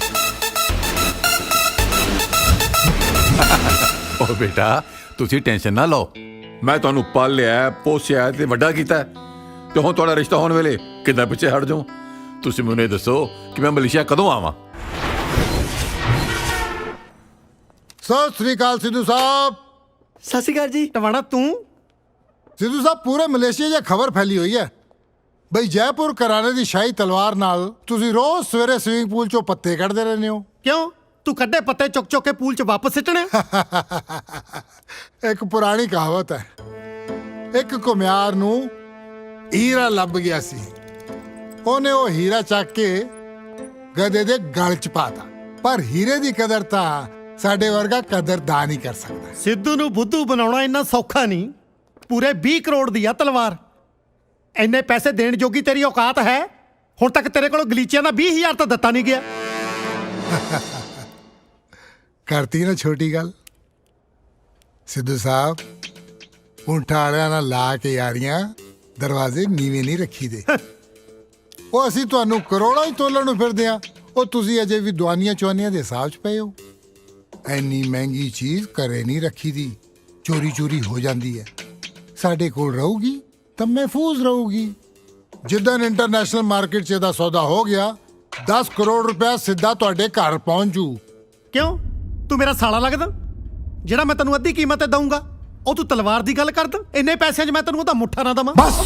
[SPEAKER 10] ਓ ਬੇਟਾ ਤੁਸੀਂ ਟੈਨਸ਼ਨ ਨਾ ਲਓ, ਮੈਂ ਤੁਹਾਨੂੰ ਪਾਲਿਆ ਪੋਸਿਆ ਤੇ ਵੱਡਾ ਕੀਤਾ ਤੇ ਹੁਣ ਤੁਹਾਡਾ ਰਿਸ਼ਤਾ ਹੋਣ ਵੇਲੇ ਕਿੱਦਾਂ ਪਿੱਛੇ ਹਟ ਜਾਉ। ਤੁਸੀਂ ਮੈਨੂੰ ਇਹ ਦੱਸੋ ਕਿ ਮੈਂ ਮਲੇਸ਼ੀਆ ਕਦੋਂ ਆਵਾਂ?
[SPEAKER 11] ਸਤਿ ਸ੍ਰੀ ਅਕਾਲ ਸਿੱਧੂ ਸਾਹਿਬ।
[SPEAKER 2] ਸਤਿ ਸ਼੍ਰੀ ਅਕਾਲ ਜੀ।
[SPEAKER 3] ਟਵਾਣਾ ਤੂੰ?
[SPEAKER 11] ਸਿੱਧੂ ਸਾਹਿਬ ਪੂਰੇ ਮਲੇਸ਼ੀਆ 'ਚ ਖਬਰ ਫੈਲੀ ਹੋਈ ਹੈ ਬਈ ਜੈਪੁਰ ਘਰਾਣੇ ਦੀ ਸ਼ਾਹੀ ਤਲਵਾਰ ਨਾਲ ਤੁਸੀਂ ਰੋਜ਼ ਸਵੇਰੇ ਸਵਿਮਿੰਗ ਪੂਲ 'ਚੋਂ ਪੱਤੇ ਕੱਢਦੇ ਰਹਿੰਦੇ ਹੋ।
[SPEAKER 3] ਕਿਉਂ, ਤੂੰ ਕੱਢੇ ਪੱਤੇ ਚੁੱਕ ਚੁੱਕ ਕੇ ਪੂਲ 'ਚ ਵਾਪਸ ਸਿੱਟਣੇ?
[SPEAKER 11] ਇੱਕ ਪੁਰਾਣੀ ਕਹਾਵਤ ਹੈ, ਇੱਕ ਘੁਮਿਆਰ ਨੂੰ ਹੀਰਾ ਲੱਭ ਗਿਆ ਸੀ। ਉਹਨੇ ਉਹ ਹੀਰਾ ਚੱਕ ਕੇ ਗਧੇ ਦੇ ਗਲ 'ਚ ਪਾਤਾ। ਪਰ ਹੀਰੇ ਦੀ ਕਦਰ ਤਾਂ ਸਾਡੇ ਵਰਗਾ ਕਦਰਦਾਨ ਹੀ ਕਰ ਸਕਦਾ।
[SPEAKER 3] ਸਿੱਧੂ ਨੂੰ ਬੁੱਧੂ ਬਣਾਉਣਾ ਇੰਨਾ ਸੌਖਾ ਨਹੀਂ। ਪੂਰੇ ਵੀਹ ਕਰੋੜ ਦੀ ਆ ਤਲਵਾਰ। ਇੰਨੇ ਪੈਸੇ ਦੇਣ ਜੋਗੀ ਤੇਰੀ ਔਕਾਤ ਹੈ? ਹੁਣ ਤੱਕ ਤੇਰੇ ਕੋਲ ਗਲੀਚਿਆਂ ਦਾ ਵੀਹ ਹਜ਼ਾਰ ਤਾਂ ਦਿੱਤਾ ਨਹੀਂ ਗਿਆ।
[SPEAKER 11] ਕਰਤੀ ਨਾ ਛੋਟੀ ਗੱਲ। ਸਿੱਧੂ ਸਾਹਿਬ ਊਂਠਾਂ ਵਾਲਿਆਂ ਨਾਲ ਲਾ ਕੇ ਯਾਰੀਆਂ ਦਰਵਾਜ਼ੇ ਨੀਵੇਂ ਨਹੀਂ ਰੱਖੀ ਦੇ। ਉਹ ਅਸੀਂ ਤੁਹਾਨੂੰ ਕਰੋੜਾਂ ਹੀ ਤੋਲਣ ਨੂੰ ਫਿਰਦੇ ਆ, ਉਹ ਤੁਸੀਂ ਅਜੇ ਵੀ ਦੁਆਨੀਆਂ ਚੁਆਨੀਆਂ ਦੇ ਹਿਸਾਬ 'ਚ ਪਏ ਹੋ। ਐਨੀ ਮਹਿੰਗੀ ਚੀਜ਼ ਘਰੇ ਨਹੀਂ ਰੱਖੀ ਦੀ, ਚੋਰੀ ਚੋਰੀ ਹੋ ਜਾਂਦੀ ਹੈ। ਸਾਡੇ ਕੋਲ ਰਹੂਗੀ ਤਾਂ ਮਹਿਫੂਜ਼ ਰਹੂਗੀ। ਜਿੱਦਾਂ ਇੰਟਰਨੈਸ਼ਨਲ ਮਾਰਕੀਟ 'ਚ ਇਹਦਾ ਸੌਦਾ ਹੋ ਗਿਆ, ਦਸ ਕਰੋੜ ਰੁਪਇਆ ਸਿੱਧਾ ਤੁਹਾਡੇ ਘਰ ਪਹੁੰਚ ਜੂ।
[SPEAKER 3] ਕਿਉਂ, ਤੂੰ ਮੇਰਾ ਸਾਲਾ ਲੱਗਦਾ? ਜਿਹੜਾ ਮੈਂ ਤੈਨੂੰ ਅੱਧੀ ਕੀਮਤ ਤੇ ਦਊਂਗਾ ਉਹ ਤੂੰ ਤਲਵਾਰ ਦੀ ਗੱਲ ਕਰਦਾ? ਇੰਨੇ ਪੈਸਿਆਂ 'ਚ ਮੈਂ ਤੈਨੂੰ ਉਹਦਾ ਮੁੱਠਾ ਨਾ ਦਵਾਂ?
[SPEAKER 11] ਬਸ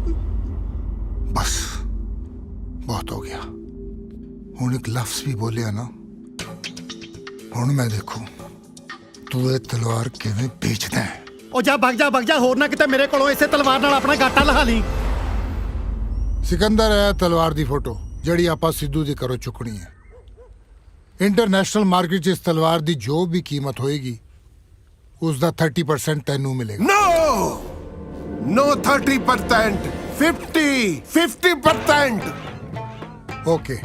[SPEAKER 11] ਬਸ ਬਹੁਤ ਹੋ ਗਿਆ। ਹੁਣ ਇੱਕ ਲਫ਼ਜ਼ ਵੀ ਬੋਲਿਆ ਨਾ, ਹੁਣ ਮੈਂ ਦੇਖੂ ਤੂੰ ਇਹ ਤਲਵਾਰ ਕਿਵੇਂ ਵੇਚਦਾ ਹੈ।
[SPEAKER 3] ਉਹ ਜਾ ਭੱਗ ਜਾ ਭੱਗ ਜਾ, ਹੋਰ ਨਾ ਕਿਤੇ ਮੇਰੇ ਕੋਲੋਂ ਇਸੇ ਤਲਵਾਰ ਨਾਲ ਆਪਣਾ ਗਾਟਾ ਲਹਾ ਲਈ।
[SPEAKER 11] ਸਿਕੰਦਰ ਹੈ ਤਲਵਾਰ ਦੀ ਫੋਟੋ ਜਿਹੜੀ ਆਪਾਂ ਸਿੱਧੂ ਦੇ ਘਰੋਂ ਚੁੱਕਣੀ ਹੈ। ਇੰਟਰਨੈਸ਼ਨਲ ਮਾਰਕੀਟ 'ਚ ਇਸ ਤਲਵਾਰ ਦੀ ਜੋ ਵੀ ਕੀਮਤ ਹੋਏਗੀ ਉਸ ਦਾ ਥਰਟੀ ਪਰਸੈਂਟ ਤੈਨੂੰ ਮਿਲੇਗਾ।
[SPEAKER 8] No no thirty percent fifty fifty percent.
[SPEAKER 11] Okay,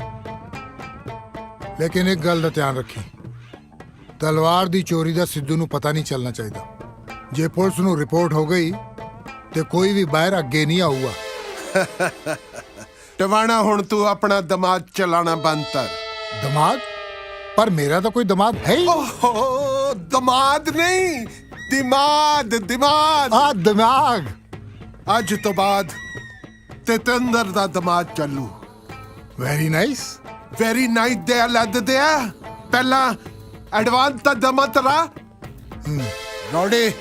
[SPEAKER 11] ਲੇਕਿਨ ਇੱਕ ਗੱਲ ਦਾ ਧਿਆਨ ਰੱਖੀ, ਤਲਵਾਰ ਦੀ ਚੋਰੀ ਦਾ ਸਿੱਧੂ ਨੂੰ ਪਤਾ ਨਹੀਂ ਚੱਲਣਾ ਚਾਹੀਦਾ। ਜੇ ਪੁਲਿਸ ਨੂੰ ਰਿਪੋਰਟ ਹੋ ਗਈ ਤੇ ਕੋਈ ਵੀ ਬਾਹਰ ਅੱਗੇ ਨਹੀਂ ਆਊਗਾ।
[SPEAKER 8] ਟਵਾਣਾ ਹੁਣ ਤੂੰ ਆਪਣਾ ਦਿਮਾਗ ਚਲਾਣਾ ਬੰਦ ਕਰ।
[SPEAKER 11] ਦਿਮਾਗ? ਪਰ ਮੇਰਾ ਤਾਂ ਕੋਈ ਦਿਮਾਗ ਹੈ ਹੀ।
[SPEAKER 8] ਓਹ ਦਿਮਾਗ ਨਹੀਂ, ਦਿਮਾਗ ਦਿਮਾਗ।
[SPEAKER 11] ਆ ਦਿਮਾਗ
[SPEAKER 8] ਅੱਜ ਤੋਂ ਬਾਅਦ ਤੇਤੰਦਰ ਦਾ ਦਿਮਾਗ ਚੱਲੂ।
[SPEAKER 11] Very nice.
[SPEAKER 8] ਵੈਰੀ ਨਾਈਟ ਦੇ ਲੱਦ ਦੇ ਆ ਪਹਿਲਾਂ ਐਡਵਾਂਸ ਤਾਂ ਦਮਾ ਤਰਾ ਰੋੜੇ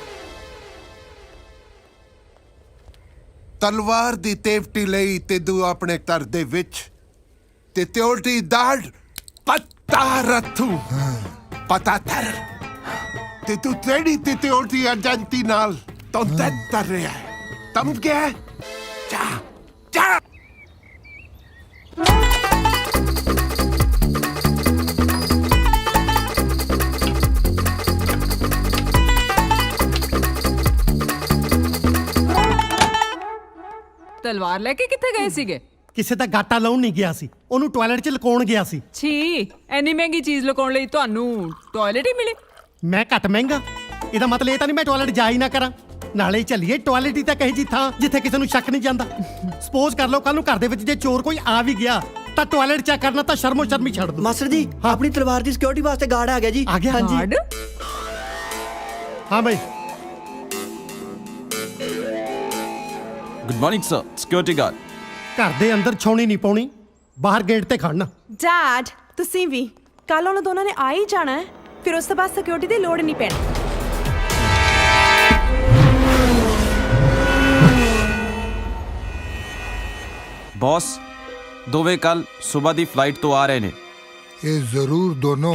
[SPEAKER 8] ਤਲਵਾਰ ਦੀ ਤੇਫਟੀ ਲਈ ਤੇ ਦੂ ਆਪਣੇ ਘਰ ਦੇ ਵਿੱਚ ਤੇ ਤਿਉਲਟੀ ਦਾੜ ਪੱਤਾ ਰੱਥੂ ਪਤਾ ਤਰ ਤੇ ਤੂੰ ਤੇੜੀ ਤੇ ਤਿਉਲਟੀ ਅਜੰਤੀ ਨਾਲ ਤੋਂ ਤਰ ਰਿਹਾ ਹੈ। ਤਮ ਗਿਆ ਚਾ ਚਾ
[SPEAKER 4] ਤਲਵਾਰ ਲੈ ਕੇ ਕਿੱਥੇ ਗਏ ਸੀਗੇ?
[SPEAKER 3] ਕਿਸੇ ਦਾ ਗਾਟਾ ਲਾਉਣ ਨਹੀਂ ਗਿਆ ਸੀ, ਉਹਨੂੰ ਟਾਇਲਟ 'ਚ ਲੁਕਾਉਣ ਗਿਆ ਸੀ।
[SPEAKER 4] ਛੀ, ਐਨੀ ਮਹਿੰਗੀ ਚੀਜ਼ ਲੁਕਾਉਣ ਲਈ ਤੁਹਾਨੂੰ ਟਾਇਲਟ ਹੀ ਮਿਲੇ?
[SPEAKER 3] ਮੈਂ ਘੱਟ ਮਹਿੰਗਾ? ਇਹਦਾ ਮਤਲਬ ਇਹ ਤਾਂ ਨਹੀਂ ਮੈਂ ਟਾਇਲਟ ਜਾ ਹੀ ਨਾ ਕਰਾਂ। ਨਾਲੇ ਚੱਲੀਏ ਟਾਇਲਟ ਹੀ ਤਾਂ ਕਹੀ ਜੀ ਥਾਂ ਜਿੱਥੇ ਕਿਸੇ ਨੂੰ ਸ਼ੱਕ ਨਹੀਂ ਜਾਂਦਾ। ਸਪੋਜ਼ ਕਰ ਲਓ ਕੱਲ ਨੂੰ ਘਰ ਦੇ ਵਿੱਚ ਜੇ ਚੋਰ ਕੋਈ ਆ ਵੀ ਗਿਆ ਤਾਂ ਟਾਇਲਟ ਚੈੱਕ ਕਰਨਾ ਤਾਂ ਸ਼ਰਮੋ ਸ਼ਰਮੀ ਛੱਡ ਦੋ।
[SPEAKER 2] ਮਾਸਟਰ ਜੀ ਆਪਣੀ ਤਲਵਾਰ ਦੀ ਸਿਕਿਉਰਿਟੀ ਵਾਸਤੇ ਗਾਰਡ ਆ ਗਿਆ ਜੀ।
[SPEAKER 3] ਆ ਗਿਆ
[SPEAKER 2] ਹਾਂਜੀ
[SPEAKER 4] ਗਾਰਡ?
[SPEAKER 3] ਹਾਂ ਬਈ।
[SPEAKER 12] Good morning sir, security guard.
[SPEAKER 3] ਘਰ ਦੇ ਅੰਦਰ ਛਾਉਣੀ ਨਹੀਂ ਪਾਉਣੀ, ਬਾਹਰ ਗੇਟ ਤੇ ਖੜਨਾ।
[SPEAKER 7] ਡੈਡ ਤੁਸੀਂ ਵੀ ਕੱਲ ਉਹਨਾਂ ਦੋਨਾਂ ਨੇ ਆ ਹੀ ਜਾਣਾ ਹੈ, ਫਿਰ ਉਸ ਤੋਂ ਬਾਅਦ ਸਿਕਿਉਰਿਟੀ ਦੀ ਲੋੜ ਨਹੀਂ ਪੈਣੀ।
[SPEAKER 12] ਬੌਸ ਦੋਵੇਂ ਕੱਲ ਸਵੇਰ ਦੀ ਫਲਾਈਟ ਤੋਂ ਆ ਰਹੇ ਨੇ।
[SPEAKER 11] ਇਹ ਜ਼ਰੂਰ ਦੋਨੋਂ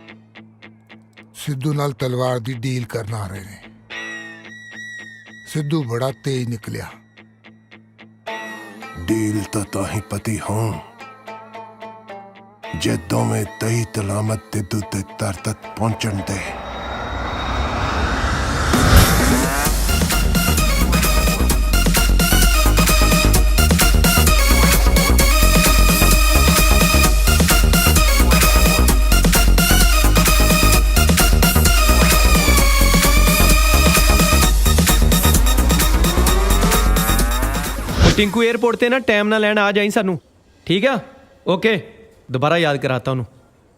[SPEAKER 11] ਸਿੱਧੂ ਨਾਲ ਤਲਵਾਰ ਦੀ ਡੀਲ ਕਰਨ ਆ ਰਹੇ ਨੇ। ਸਿੱਧੂ ਬੜਾ ਤੇਜ਼ ਨਿਕਲਿਆ।
[SPEAKER 8] ਡੀਲ ਤਾਂ ਤਾਂ ਹੀ ਪਤੀ ਹੋਂ ਜੇ ਦੋਵੇਂ ਤਈ ਤਲਾਮਤ ਤੇ ਦੁੱਤੇ ਤਰ ਤੱਕ ਪਹੁੰਚਣ ਦੇ।
[SPEAKER 13] टिंकू एयरपोर्ट ते ना टाइम ना लैन आ जाई सानू, ठीक है? ओके, दोबारा याद कराता हूँ।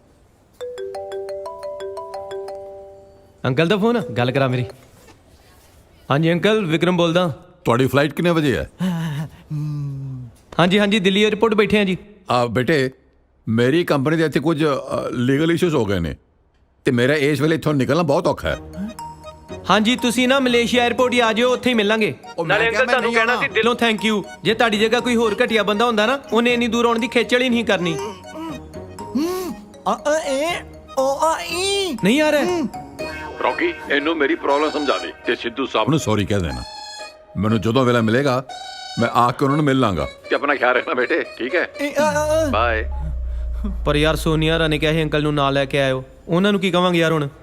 [SPEAKER 13] अंकल दा फोन गल करा मेरी। हाँ जी अंकल, विक्रम बोलदा।
[SPEAKER 10] ਤੁਹਾਡੀ ਫਲਾਈਟ ਕਿੰਨੇ ਵਜੇ ਹੈ?
[SPEAKER 13] हाँ जी हाँ जी, दिल्ली एयरपोर्ट बैठे हैं जी।
[SPEAKER 10] ਆ ਬੇਟੇ, ਮੇਰੀ ਕੰਪਨੀ ਦੇ ਇੱਥੇ ਕੁਝ ਲੀਗਲ ਇਸ਼ੂਜ਼ ਹੋ ਗਏ ਨੇ ਤੇ ਮੇਰਾ ਇਸ ਵੇਲੇ ਇੱਥੋਂ ਨਿਕਲਣਾ ਬਹੁਤ ਔਖਾ ਹੈ।
[SPEAKER 13] हाँ जी, तुसी ना मलेशिया एयरपोर्ट ही आ जाओ, उत्थे ही मिलांगे। नाले अंकल तुहानू कहना सी दिलों थैंक यू। जे तुहाडी जगह कोई होर घटिया बंदा हुंदा ना, उन्हें इन्नी दूर आउण दी खेचल ही नहीं करनी। नहीं आ रहा?
[SPEAKER 10] ਰੌਕੀ, ਇਹਨੂੰ ਮੇਰੀ ਪ੍ਰੋਬਲਮ ਸਮਝਾ ਦੇ ਤੇ ਸਿੱਧੂ ਸਾਹਿਬ ਨੂੰ ਸੌਰੀ ਕਹਿ ਦੇਣਾ। ਮੈਨੂੰ ਜਦੋਂ ਵੇਲਾ ਮਿਲੇਗਾ ਮੈਂ ਆ ਕੇ ਉਹਨਾਂ ਨੂੰ ਮਿਲ ਲਾਂਗਾ ਤੇ ਆਪਣਾ ਖਿਆਲ ਰੱਖਣਾ ਬੇਟੇ, ਠੀਕ ਹੈ? ਬਾਏ।
[SPEAKER 13] पर यार सोनिया रा ने कहा है अंकल नू नाल लेके आयो, उन्हां नू की कहांगे यार हुण?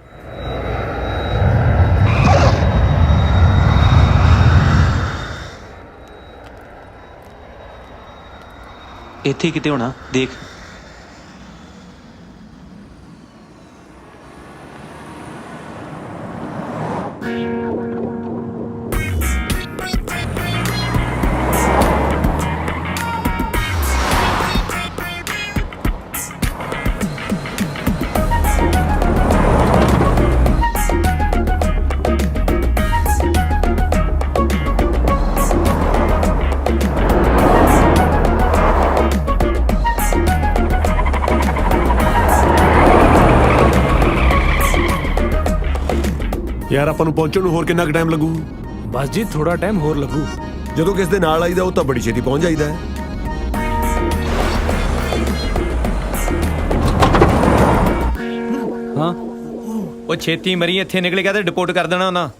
[SPEAKER 12] ਇੱਥੇ ਕਿਤੇ ਹੋਣਾ, ਦੇਖ।
[SPEAKER 8] ਯਾਰ ਆਪਾਂ ਨੂੰ ਪਹੁੰਚਣ ਨੂੰ ਹੋਰ ਕਿੰਨਾ ਕੁ ਟਾਈਮ ਲੱਗੂ?
[SPEAKER 1] ਬਸ ਜੀ ਥੋੜਾ ਟਾਈਮ ਹੋਰ ਲੱਗੂ।
[SPEAKER 8] ਜਦੋਂ ਕਿਸ ਦੇ ਨਾਲ ਆਈਦਾ ਉਹ ਤਾਂ ਬੜੀ ਛੇਤੀ ਪਹੁੰਚ ਜਾਈਦਾ ਹੈ।
[SPEAKER 13] हाँ वो छेती मरी इत्थे निकल गया तो डिपोर्ट कर देना उन्हां।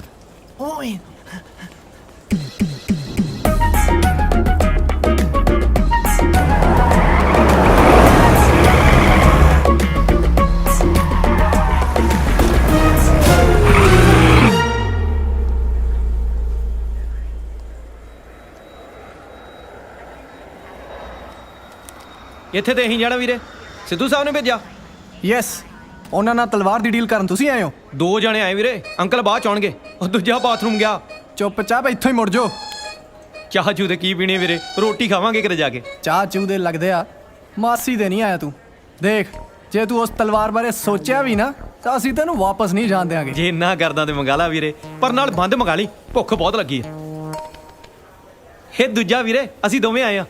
[SPEAKER 13] ਇੱਥੇ ਤੇ ਅਸੀਂ ਜਾਣਾ ਵੀਰੇ, ਸਿੱਧੂ ਸਾਹਿਬ ਨੇ ਭੇਜਿਆ।
[SPEAKER 2] ਯੈਸ, ਉਹਨਾਂ ਨਾਲ ਤਲਵਾਰ ਦੀ ਡੀਲ ਕਰਨ ਤੁਸੀਂ ਆਏ ਹੋ?
[SPEAKER 13] ਦੋ ਜਣੇ ਆਏ ਵੀਰੇ, ਅੰਕਲ ਬਾਅਦ ਚ ਆਉਣਗੇ। ਉਹ ਦੂਜਾ ਬਾਥਰੂਮ ਗਿਆ।
[SPEAKER 2] ਚੁੱਪਚਾਪ ਇੱਥੋਂ ਹੀ ਮੁੜ ਜਾਓ।
[SPEAKER 13] ਚਾਹ ਚੂ ਦੇ ਕੀ ਪੀਣੀ ਵੀਰੇ, ਰੋਟੀ ਖਾਵਾਂਗੇ ਕਿਤੇ ਜਾ ਕੇ।
[SPEAKER 2] ਚਾਹ ਚੂ ਦੇ ਲੱਗਦੇ ਆ, ਮਾਸੀ ਦੇ ਨਹੀਂ ਆਇਆ ਤੂੰ। ਦੇਖ, ਜੇ ਤੂੰ ਉਸ ਤਲਵਾਰ ਬਾਰੇ ਸੋਚਿਆ ਵੀ ਨਾ ਤਾਂ ਅਸੀਂ ਤੈਨੂੰ ਵਾਪਸ ਨਹੀਂ ਜਾਣ ਦਿਆਂਗੇ।
[SPEAKER 13] ਜੇ ਇੰਨਾ ਕਰਦਾ ਤੇ ਮੰਗਾ ਲਾ ਵੀਰੇ, ਪਰ ਨਾਲ ਬੰਦ ਮੰਗਾ ਲਈ, ਭੁੱਖ ਬਹੁਤ ਲੱਗੀ ਹੈ। ਇਹ ਦੂਜਾ ਵੀਰੇ, ਅਸੀਂ ਦੋਵੇਂ ਆਏ ਆ।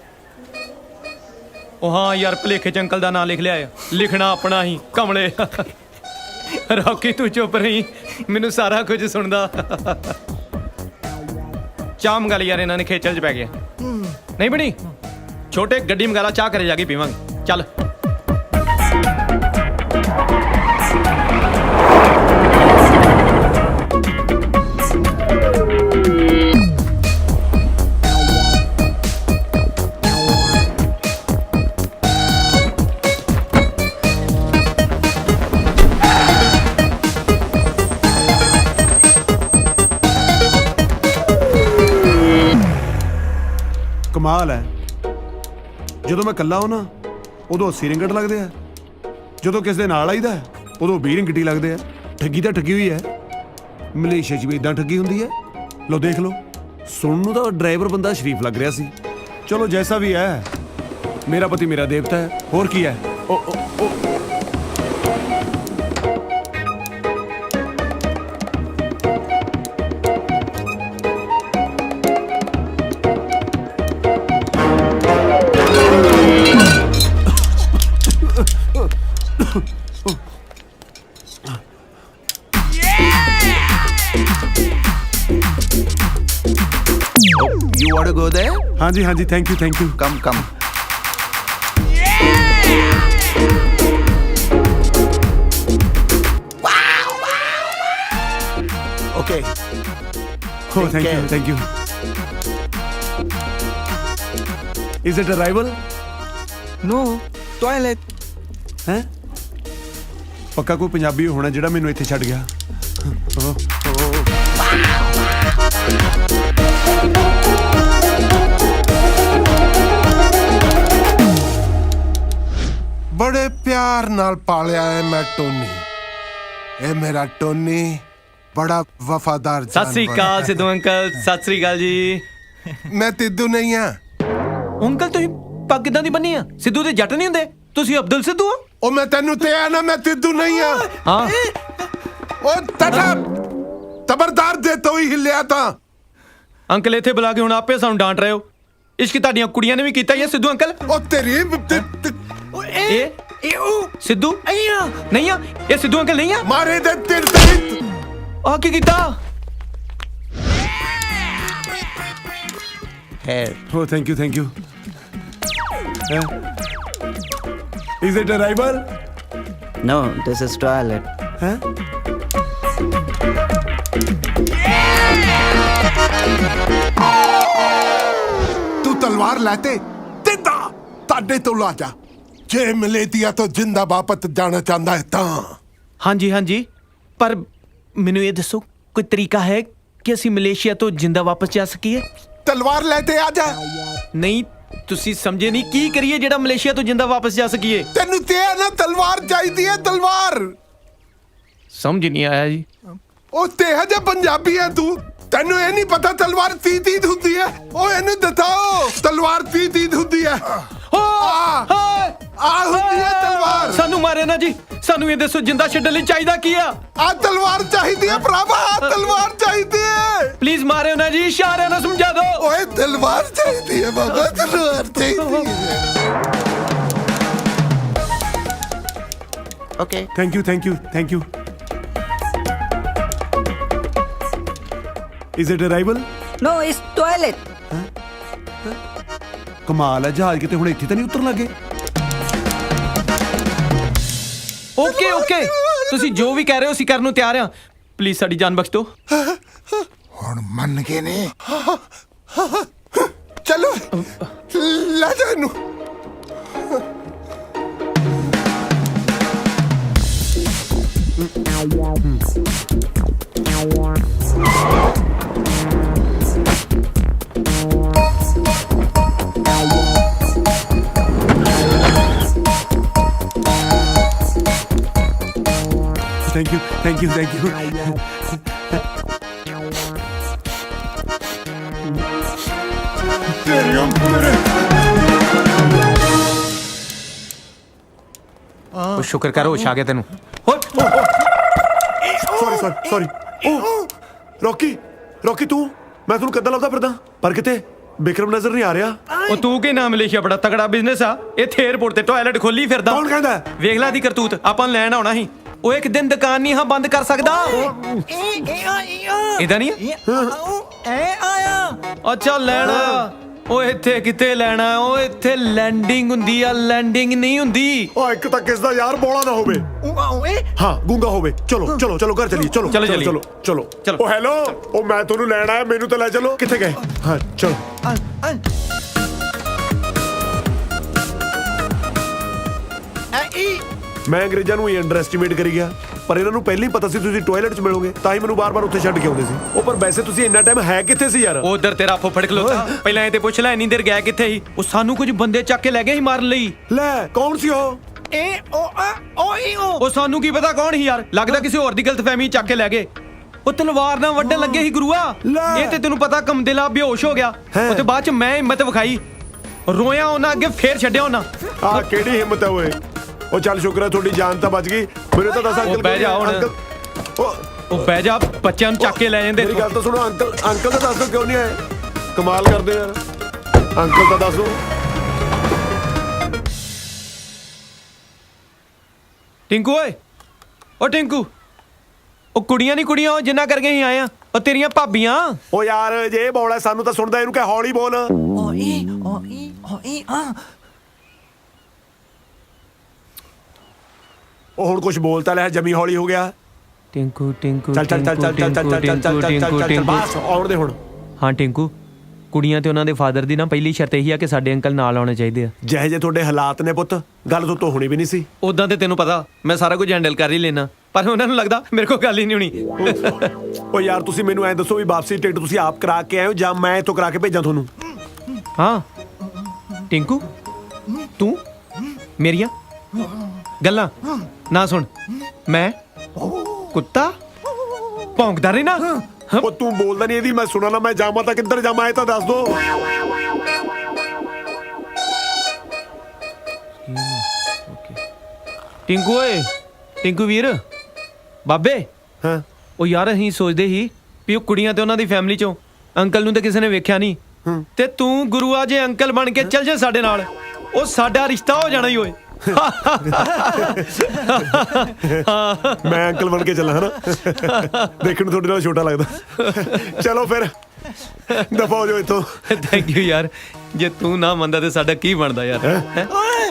[SPEAKER 13] ਉਹ ਹਾਂ ਯਾਰ, ਭਲੇਖੇ ਚ ਅੰਕਲ ਦਾ ਨਾਂ ਲਿਖ ਲਿਆ ਆ। ਲਿਖਣਾ ਆਪਣਾ ਹੀ ਕਮਲੇ। ਰੌਕੀ ਤੂੰ ਚੁੱਪ ਰਹੀ, ਮੈਨੂੰ ਸਾਰਾ ਕੁਝ ਸੁਣਦਾ। ਚਾਹ ਮੰਗਾ ਲਈ ਯਾਰ, ਇਹਨਾਂ ਨੇ ਖੇਚਲ ਚ ਪੈ ਗਿਆ। ਨਹੀਂ ਬਣੀ, ਛੋਟੇ ਗੱਡੀ ਮੰਗਾ ਲਾ, ਚਾਹ ਘਰੇ ਜਾ ਕੇ ਪੀਵਾਂਗੇ। ਚੱਲ।
[SPEAKER 8] ਕਮਾਲ ਹੈ, ਜਦੋਂ ਮੈਂ ਇਕੱਲਾ ਹੋਣਾ ਉਦੋਂ ਅੱਸੀ ਰਿੰਗਟ ਲੱਗਦੇ ਆ, ਜਦੋਂ ਕਿਸ ਦੇ ਨਾਲ ਆਈਦਾ ਉਦੋਂ ਵੀਹ ਰਿੰਗਟ ਹੀ ਲੱਗਦੇ ਆ। ਠੱਗੀ ਤਾਂ ਠੱਗੀ ਹੋਈ ਹੈ, ਮਲੇਸ਼ੀਆ 'ਚ ਵੀ ਇਦਾਂ ਠੱਗੀ ਹੁੰਦੀ ਹੈ। ਲੋ ਦੇਖ ਲਓ, ਸੁਣਨ ਨੂੰ ਤਾਂ ਡਰਾਈਵਰ ਬੰਦਾ ਸ਼ਰੀਫ ਲੱਗ ਰਿਹਾ ਸੀ। ਚਲੋ ਜੈਸਾ ਵੀ ਹੈ, ਮੇਰਾ ਪਤੀ ਮੇਰਾ ਦੇਵਤਾ ਹੈ, ਹੋਰ ਕੀ ਹੈ। ਓ ਓ ਓ
[SPEAKER 12] You want to go there?
[SPEAKER 8] ਹਾਂਜੀ ਹਾਂਜੀ, thank you thank you.
[SPEAKER 12] Come, come. Okay.
[SPEAKER 8] Oh, thank you, thank you. Is it arrival?
[SPEAKER 12] No, toilet.
[SPEAKER 8] ਹੈ ਪੱਕਾ ਕੋਈ ਪੰਜਾਬੀ ਹੋਣਾ ਜਿਹੜਾ ਮੈਨੂੰ ਇੱਥੇ ਛੱਡ ਗਿਆ। ਓ
[SPEAKER 14] ਬੜੇ ਪਿਆਰ ਨਾਲ ਪਾਲਿਆ ਹੈ ਮੈਂ ਟੋਨੀ। ਇਹ ਮੇਰਾ ਟੋਨੀ ਬੜਾ ਵਫਾਦਾਰ
[SPEAKER 13] ਸਤਿ ਸ੍ਰੀ ਅਕਾਲ ਸਿੱਧੂ ਅੰਕਲ। ਸਤਿ ਸ੍ਰੀ ਅਕਾਲ ਜੀ।
[SPEAKER 14] ਮੈਂ ਤਿੱਦੂ ਨਹੀਂ ਆ।
[SPEAKER 13] ਅੰਕਲ ਤੁਸੀਂ ਪੱਗ ਕਿੱਦਾਂ ਦੀ ਬੰਨੀ ਆ? ਸਿੱਧੂ ਦੇ ਜੱਟ ਨਹੀਂ ਹੁੰਦੇ, ਤੁਸੀਂ ਅਬਦੁਲ ਸਿੱਧੂ ਹੋ।
[SPEAKER 14] ਉਹ ਮੈਂ ਤੈਨੂੰ ਤੇ ਆ ਨਾ, ਮੈਂ ਤਿੱਦੂ ਨਹੀਂ ਆ।
[SPEAKER 13] ਹਾਂ
[SPEAKER 14] ਉਹ ਤਟਾ ਤਬਰਦਾਰ ਦੇ ਤੋਂ ਹੀ ਹਿੱਲਿਆ ਤਾਂ।
[SPEAKER 13] ਅੰਕਲ ਇੱਥੇ ਬੁਲਾ ਕੇ ਹੁਣ ਆਪੇ ਸਾਨੂੰ ਡਾਂਟ ਰਹੇ ਹੋ। ਇਸ਼ਕ ਤੁਹਾਡੀਆਂ ਕੁੜੀਆਂ ਨੇ ਵੀ ਕੀਤਾ ਹੀ ਹੈ ਸਿੱਧੂ ਅੰਕਲ।
[SPEAKER 14] ਉਹ ਤੇਰੀ
[SPEAKER 13] ਇਹ ਇਹ ਸਿੱਧੂ ਨਹੀਂ ਆ, ਇਹ ਸਿੱਧੂ ਅੰਕਲ ਨਹੀਂ ਆ।
[SPEAKER 14] ਮਾਰੇ ਦੇ ਤਿਰ ਤੇ
[SPEAKER 13] ਆ ਕੀ ਕੀਤਾ?
[SPEAKER 12] Hair.
[SPEAKER 8] Oh, thank you, thank you. Uh, is it arrival?
[SPEAKER 12] No, this is toilet.
[SPEAKER 8] Huh?
[SPEAKER 14] ਤੂੰ ਤਲਵਾਰ ਲੈਤੇ ਤਿੱਦਾ ਤੁਹਾਡੇ ਤੋਂ ਲਾ ਜਾ। ਜੇ ਮਲੇਟੀਆ ਤੋਂ ਜਿੰਦਾ ਵਾਪਸ ਜਾਣਾ ਚਾਹੁੰਦਾ ਹੈ ਤਾਂ।
[SPEAKER 13] ਹਾਂਜੀ ਹਾਂਜੀ, ਪਰ ਮੈਨੂੰ ਇਹ ਦੱਸੋ ਕੋਈ ਤਰੀਕਾ ਹੈ ਕਿ ਅਸੀਂ ਮਲੇਸ਼ੀਆ ਤੋਂ ਜਿੰਦਾ ਵਾਪਸ ਜਾ ਸਕੀਏ?
[SPEAKER 14] ਤਲਵਾਰ ਲੈ ਤੇ ਆ ਜਾ।
[SPEAKER 13] ਨਹੀਂ ਤੁਸੀਂ ਸਮਝੇ ਨਹੀਂ, ਕੀ ਕਰੀਏ ਜਿਹੜਾ ਮਲੇਸ਼ੀਆ ਤੋਂ ਜਿੰਦਾ ਵਾਪਸ ਜਾ ਸਕੀਏ?
[SPEAKER 14] ਤੈਨੂੰ ਤੇ ਨਾ ਤਲਵਾਰ ਚਾਹੀਦੀ ਹੈ, ਤਲਵਾਰ।
[SPEAKER 13] ਸਮਝ ਨਹੀਂ ਆਇਆ ਜੀ।
[SPEAKER 14] ਉਹ ਤੇ ਹਜੇ ਪੰਜਾਬੀ ਹੈ ਤੂੰ, ਤੈਨੂੰ ਇਹ ਨਹੀਂ ਪਤਾ ਤਲਵਾਰ ਤੀਹ ਤੀਹ ਹੁੰਦੀ ਹੈ। ਉਹ ਇਹਨੂੰ ਦਿਖਾਓ, ਤਲਵਾਰ ਤੀਹ ਤੀਹ ਹੁੰਦੀ ਹੈ। ਆ ਹੁੰਦੀ ਹੈ ਤਲਵਾਰ।
[SPEAKER 13] ਸਾਨੂੰ ਮਾਰੇ ਨਾ ਜੀ, ਸਾਨੂੰ ਇਹ ਦੱਸੋ ਜਿੰਦਾ ਛੱਡਣ ਲਈ ਚਾਹੀਦਾ ਕੀ ਆ?
[SPEAKER 14] ਆ ਤਲਵਾਰ ਚਾਹੀਦੀ ਹੈ ਭਰਾਵਾ, ਆ ਤਲਵਾਰ ਚਾਹੀਦੀ ਹੈ।
[SPEAKER 13] ਪਲੀਜ਼ ਮਾਰਿਓ ਨਾ ਜੀ, ਇਸ਼ਾਰਿਆਂ ਨਾਲ ਸਮਝਾ ਦਿਓ।
[SPEAKER 14] ਓਏ ਤਲਵਾਰ ਚਾਹੀਦੀ ਹੈ ਬਾਬਾ, ਤਲਵਾਰ ਚਾਹੀਦੀ ਹੈ।
[SPEAKER 12] Okay.
[SPEAKER 8] Thank you, thank you, thank you. Is it arrival?
[SPEAKER 7] No, it's toilet.
[SPEAKER 8] ਕਮਾਲ ਹੈ, ਜਹਾਜ਼ ਕਿਤੇ ਹੁਣ ਇੱਥੇ ਤਾਂ ਨਹੀਂ ਉਤਰਨ ਲੱਗੇ।
[SPEAKER 13] ਓਕੇ ਓਕੇ, ਤੁਸੀਂ ਜੋ ਵੀ ਕਹਿ ਰਹੇ ਹੋ ਅਸੀਂ ਕਰਨ ਨੂੰ ਤਿਆਰ ਹਾਂ। ਪਲੀਜ਼ ਸਾਡੀ ਜਾਨ ਬਖਸ਼ ਦਿਓ।
[SPEAKER 14] ਹੁਣ ਮੰਨ ਗਏ ਨੇ। ਚਲੋ ਲੈ ਜਾ ਇਹਨੂੰ।
[SPEAKER 8] Thank you, thank you, thank you.
[SPEAKER 14] ਤੇਰੀਆਂ ਮੇਰੇ
[SPEAKER 13] ਉਹ ਸ਼ੁਕਰ ਕਰ ਹੋਸ਼ ਆ ਗਿਆ ਤੈਨੂੰ।
[SPEAKER 8] Sorry sorry sorry. ਓ ਰੌਕੀ, ਰੌਕੀ ਤੂੰ, ਮੈਂ ਤੁਹਾਨੂੰ ਕਦੋਂ ਲੱਭਦਾ ਫਿਰਦਾ, ਪਰ ਕਿਤੇ ਬਿਕਰਮ ਨਜ਼ਰ ਨਹੀਂ ਆ ਰਿਹਾ।
[SPEAKER 13] ਉਹ ਤੂੰ ਕੀ ਨਾ, ਮਲੇਸ਼ੀਆ ਬੜਾ ਤਗੜਾ ਬਿਜ਼ਨਸ ਆ। ਇੱਥੇ 에어ਪੋਰਟ ਤੇ ਟਾਇਲਟ ਖੋਲੀ ਫਿਰਦਾ।
[SPEAKER 8] ਕੌਣ ਕਹਿੰਦਾ?
[SPEAKER 13] ਵੇਖ ਲੈ ਦੀ ਕਰਤੂਤ। ਆਪਾਂ ਨੂੰ ਲੈਣ ਆਉਣਾ ਸੀ, ਉਹ ਇੱਕ ਦਿਨ ਦੁਕਾਨ ਨਹੀਂ ਹਾਂ ਬੰਦ ਕਰ ਸਕਦਾ। ਇਦਾਂ ਨਹੀਂ ਅੱਛਾ ਲੈਣਾ। ਉਹ ਇੱਥੇ ਕਿਤੇ ਲੈਣਾ, ਉਹ ਇੱਥੇ ਲੈਂਡਿੰਗ ਹੁੰਦੀ ਆ, ਲੈਂਡਿੰਗ ਨਹੀਂ ਹੁੰਦੀ।
[SPEAKER 8] ਉਹ ਇੱਕ ਤਾਂ ਕਿਸ ਦਾ ਯਾਰ ਬੋਲਾ ਨਾ ਹੋਵੇ। ਹਾਂ ਗੂੰਗਾ ਹੋਵੇ। ਚਲੋ ਚਲੋ ਚਲੋ ਘਰ ਚਲੀਏ। ਚਲੋ
[SPEAKER 13] ਚਲੋ
[SPEAKER 8] ਚਲੋ ਚਲੋ ਚਲੋ। ਉਹ ਹੈਲੋ, ਉਹ ਮੈਂ ਤੁਹਾਨੂੰ ਲੈਣ ਆਇਆ, ਮੈਨੂੰ ਤਾਂ ਲੈ ਚਲੋ। ਕਿੱਥੇ ਗਏ? ਹਾਂ ਚਲੋ। ਮੈਂ ਅੰਗਰੇਜ਼ਾਂ ਨੂੰ ਹੀ ਅੰਡਰ ਐਸਟੀਮੇਟ ਕਰੀ ਗਿਆ, ਪਰ ਇਹਨਾਂ ਨੂੰ ਪਹਿਲਾਂ ਹੀ ਪਤਾ ਸੀ ਤੁਸੀਂ ਟਾਇਲਟ 'ਚ ਮਿਲੋਗੇ, ਤਾਂ ਹੀ ਮੈਨੂੰ ਬਾਰ-ਬਾਰ ਉੱਥੇ ਛੱਡ ਕੇ ਆਉਂਦੇ ਸੀ। ਉਹ ਪਰ ਵੈਸੇ ਤੁਸੀਂ ਇੰਨਾ ਟਾਈਮ ਹੈ ਕਿੱਥੇ ਸੀ ਯਾਰ?
[SPEAKER 13] ਉਧਰ ਤੇਰਾ ਫੁੱਫੜ ਖਲੋਤਾ। ਪਹਿਲਾਂ ਇਹ ਤੇ ਪੁੱਛ ਲੈ ਇੰਨੀ ਦੇਰ ਗਿਆ ਕਿੱਥੇ ਸੀ? ਉਹ ਸਾਨੂੰ ਕੁਝ ਬੰਦੇ ਚੱਕ ਕੇ ਲੈ ਗਏ ਸੀ ਮਾਰਨ ਲਈ।
[SPEAKER 8] ਲੈ ਕੌਣ ਸੀ ਉਹ?
[SPEAKER 13] ਇਹ ਉਹ ਉਹ ਉਹ ਸਾਨੂੰ ਕੀ ਪਤਾ ਕੌਣ ਸੀ ਯਾਰ। ਲੱਗਦਾ ਕਿਸੇ ਹੋਰ ਦੀ ਗਲਤਫਹਿਮੀ ਚੱਕ ਕੇ ਲੈ ਗਏ। ਉਹ ਤਲਵਾਰ ਨਾਲ ਵੱਢਣ ਲੱਗੇ ਸੀ ਗੁਰੂਆ। ਇਹ ਤੇ ਤੈਨੂੰ ਪਤਾ ਕਮਦਿਲਾ ਬੇਹੋਸ਼ ਹੋ ਗਿਆ। ਉਹ ਤੇ ਬਾਅਦ ਚ ਮੈਂ ਹਿੰਮਤ ਵਿਖਾਈ, ਰੋਇਆ ਉਹਨਾਂ ਅੱਗੇ, ਫੇਰ ਛੱਡਿਆ ਉਹਨਾਂ।
[SPEAKER 8] ਆ ਕਿਹੜੀ ਹਿੰਮਤ ਹੈ ਓਏ? ਉਹ ਚੱਲ ਸ਼ੁਕਰ ਹੈ ਤੁਹਾਡੀ ਜਾਨ ਤਾਂ ਬਚ ਗਈ। ਮੈਨੂੰ ਤਾਂ ਦੱਸ ਅੰਕਲ
[SPEAKER 13] ਉਹ ਬਹਿ ਜਾ ਹੁਣ।
[SPEAKER 8] ਅੰਕਲ ਉਹ
[SPEAKER 13] ਉਹ ਬਹਿ ਜਾ, ਬੱਚਿਆਂ ਨੂੰ ਚੱਕ ਕੇ ਲੈ ਜਾਂਦੇ।
[SPEAKER 8] ਮੇਰੀ ਗੱਲ ਤਾਂ ਸੁਣੋ ਅੰਕਲ, ਅੰਕਲ ਤਾਂ ਦੱਸ ਦਿਓ ਕਿਉਂ ਨਹੀਂ ਆਏ? ਕਮਾਲ ਕਰਦੇ ਯਾਰ, ਅੰਕਲ ਤਾਂ ਦੱਸ ਦਿਓ।
[SPEAKER 13] ਟਿੰਕੂ ਓਏ, ਓ ਟਿੰਕੂ, ਉਹ ਕੁੜੀਆਂ ਨਹੀਂ ਕੁੜੀਆਂ, ਉਹ ਜਿੰਨਾ ਕਰਕੇ ਹੀ ਆਏ ਆ, ਉਹ ਤੇਰੀਆਂ ਭਾਬੀਆਂ।
[SPEAKER 8] ਉਹ ਯਾਰ ਜੇ ਇਹ ਬੋਲ ਹੈ ਸਾਨੂੰ ਤਾਂ ਸੁਣਦਾ, ਇਹਨੂੰ ਕਹਿ ਹੌਲੀ ਬੋਲ।
[SPEAKER 2] ਓਏ ਓਏ ਓਏ ਆ
[SPEAKER 8] ਉਹ ਹੁਣ ਕੁਝ ਬੋਲਤਾ ਲੈ, ਜਮੀ ਹੌਲੀ ਹੋ ਗਿਆ।
[SPEAKER 13] ਟਿੰਕੂ ਟਿੰਕੂ
[SPEAKER 8] ਚੱਲ ਚੱਲ ਚੱਲ ਚੱਲ ਚੱਲ ਚੱਲ ਚੱਲ ਚੱਲ ਚੱਲ ਚੱਲ ਬਸ ਆਉਣ ਦੇ ਹੁਣ।
[SPEAKER 13] ਹਾਂ ਟਿੰਕੂ, ਕੁੜੀਆਂ ਤੇ ਉਹਨਾਂ ਦੇ ਫਾਦਰ ਦੀ ਨਾ ਪਹਿਲੀ ਸ਼ਰਤ ਇਹੀ ਆ ਕਿ ਸਾਡੇ ਅੰਕਲ ਨਾਲ ਆਉਣੇ ਚਾਹੀਦੇ ਆ।
[SPEAKER 8] ਜਿਹੇ ਜੇ ਤੁਹਾਡੇ ਹਾਲਾਤ ਨੇ ਪੁੱਤ, ਗੱਲ ਤੋਂ ਹੋਣੀ ਵੀ ਨਹੀਂ ਸੀ।
[SPEAKER 13] ਉਦਾਂ ਤੇ ਤੈਨੂੰ ਪਤਾ ਮੈਂ ਸਾਰਾ ਕੁਝ ਹੈਂਡਲ ਕਰ ਹੀ ਲੈਣਾ, ਪਰ ਉਹਨਾਂ ਨੂੰ ਲੱਗਦਾ ਮੇਰੇ ਕੋਲ ਗੱਲ ਹੀ ਨਹੀਂ ਹੋਣੀ।
[SPEAKER 8] ਉਹ ਯਾਰ ਤੁਸੀਂ ਮੈਨੂੰ ਐਂ ਦੱਸੋ ਵੀ ਵਾਪਸੀ ਟਿਕਟ ਤੁਸੀਂ ਆਪ ਕਰਾ ਕੇ ਆਏ ਹੋ ਜਾਂ ਮੈਂ ਇੱਥੋਂ ਕਰਾ ਕੇ ਭੇਜਾਂ ਤੁਹਾਨੂੰ?
[SPEAKER 13] ਹਾਂ ਟਿੰਕੂ, ਤੂੰ ਮੇਰੀਆਂ ਗੱਲਾਂ ਨਾ ਸੁਣ। ਮੈਂ ਕੁੱਤਾ ਭੌਂਕਦਾ ਰਹਿਣਾ।
[SPEAKER 8] ਉਹ ਤੂੰ ਬੋਲਦਾ ਨਹੀਂ, ਇਹਦੀ ਮੈਂ ਸੁਣਾ ਨਾ। ਮੈਂ ਜਾਵਾਂ ਤਾਂ ਕਿੱਧਰ ਜਾਵਾਂ ਇਹ ਤਾਂ ਦੱਸ ਦੋ।
[SPEAKER 13] ਟਿੰਕੂ ਓਏ, ਟਿੰਕੂ ਵੀਰ, ਬਾਬੇ।
[SPEAKER 8] ਹਾਂ
[SPEAKER 13] ਉਹ ਯਾਰ ਅਸੀਂ ਸੋਚਦੇ ਸੀ ਵੀ ਉਹ ਕੁੜੀਆਂ ਤੇ ਉਹਨਾਂ ਦੀ ਫੈਮਿਲੀ ਚੋਂ ਅੰਕਲ ਨੂੰ ਤੇ ਕਿਸੇ ਨੇ ਵੇਖਿਆ ਨਹੀਂ, ਤੇ ਤੂੰ ਗੁਰੂਆ ਜੇ ਅੰਕਲ ਬਣ ਕੇ ਚੱਲ ਜਾ ਸਾਡੇ ਨਾਲ, ਉਹ ਸਾਡਾ ਰਿਸ਼ਤਾ ਹੋ ਜਾਣਾ ਹੀ ਓਏ।
[SPEAKER 8] ਮੈਂ ਅੰਕਲ ਬਣ ਕੇ ਚੱਲਾਂ ਹਨਾ, ਦੇਖਣ ਨੂੰ ਤੁਹਾਡੇ ਨਾਲ ਛੋਟਾ ਲੱਗਦਾ। ਚਲੋ ਫਿਰ ਦਫਾ ਹੋ ਜਾਓ ਇੱਥੋਂ।
[SPEAKER 13] ਥੈਂਕ ਯੂ ਯਾਰ, ਜੇ ਤੂੰ ਨਾ ਮੰਨਦਾ ਤੇ ਸਾਡਾ ਕੀ ਬਣਦਾ ਯਾਰ। ਹੈਂ?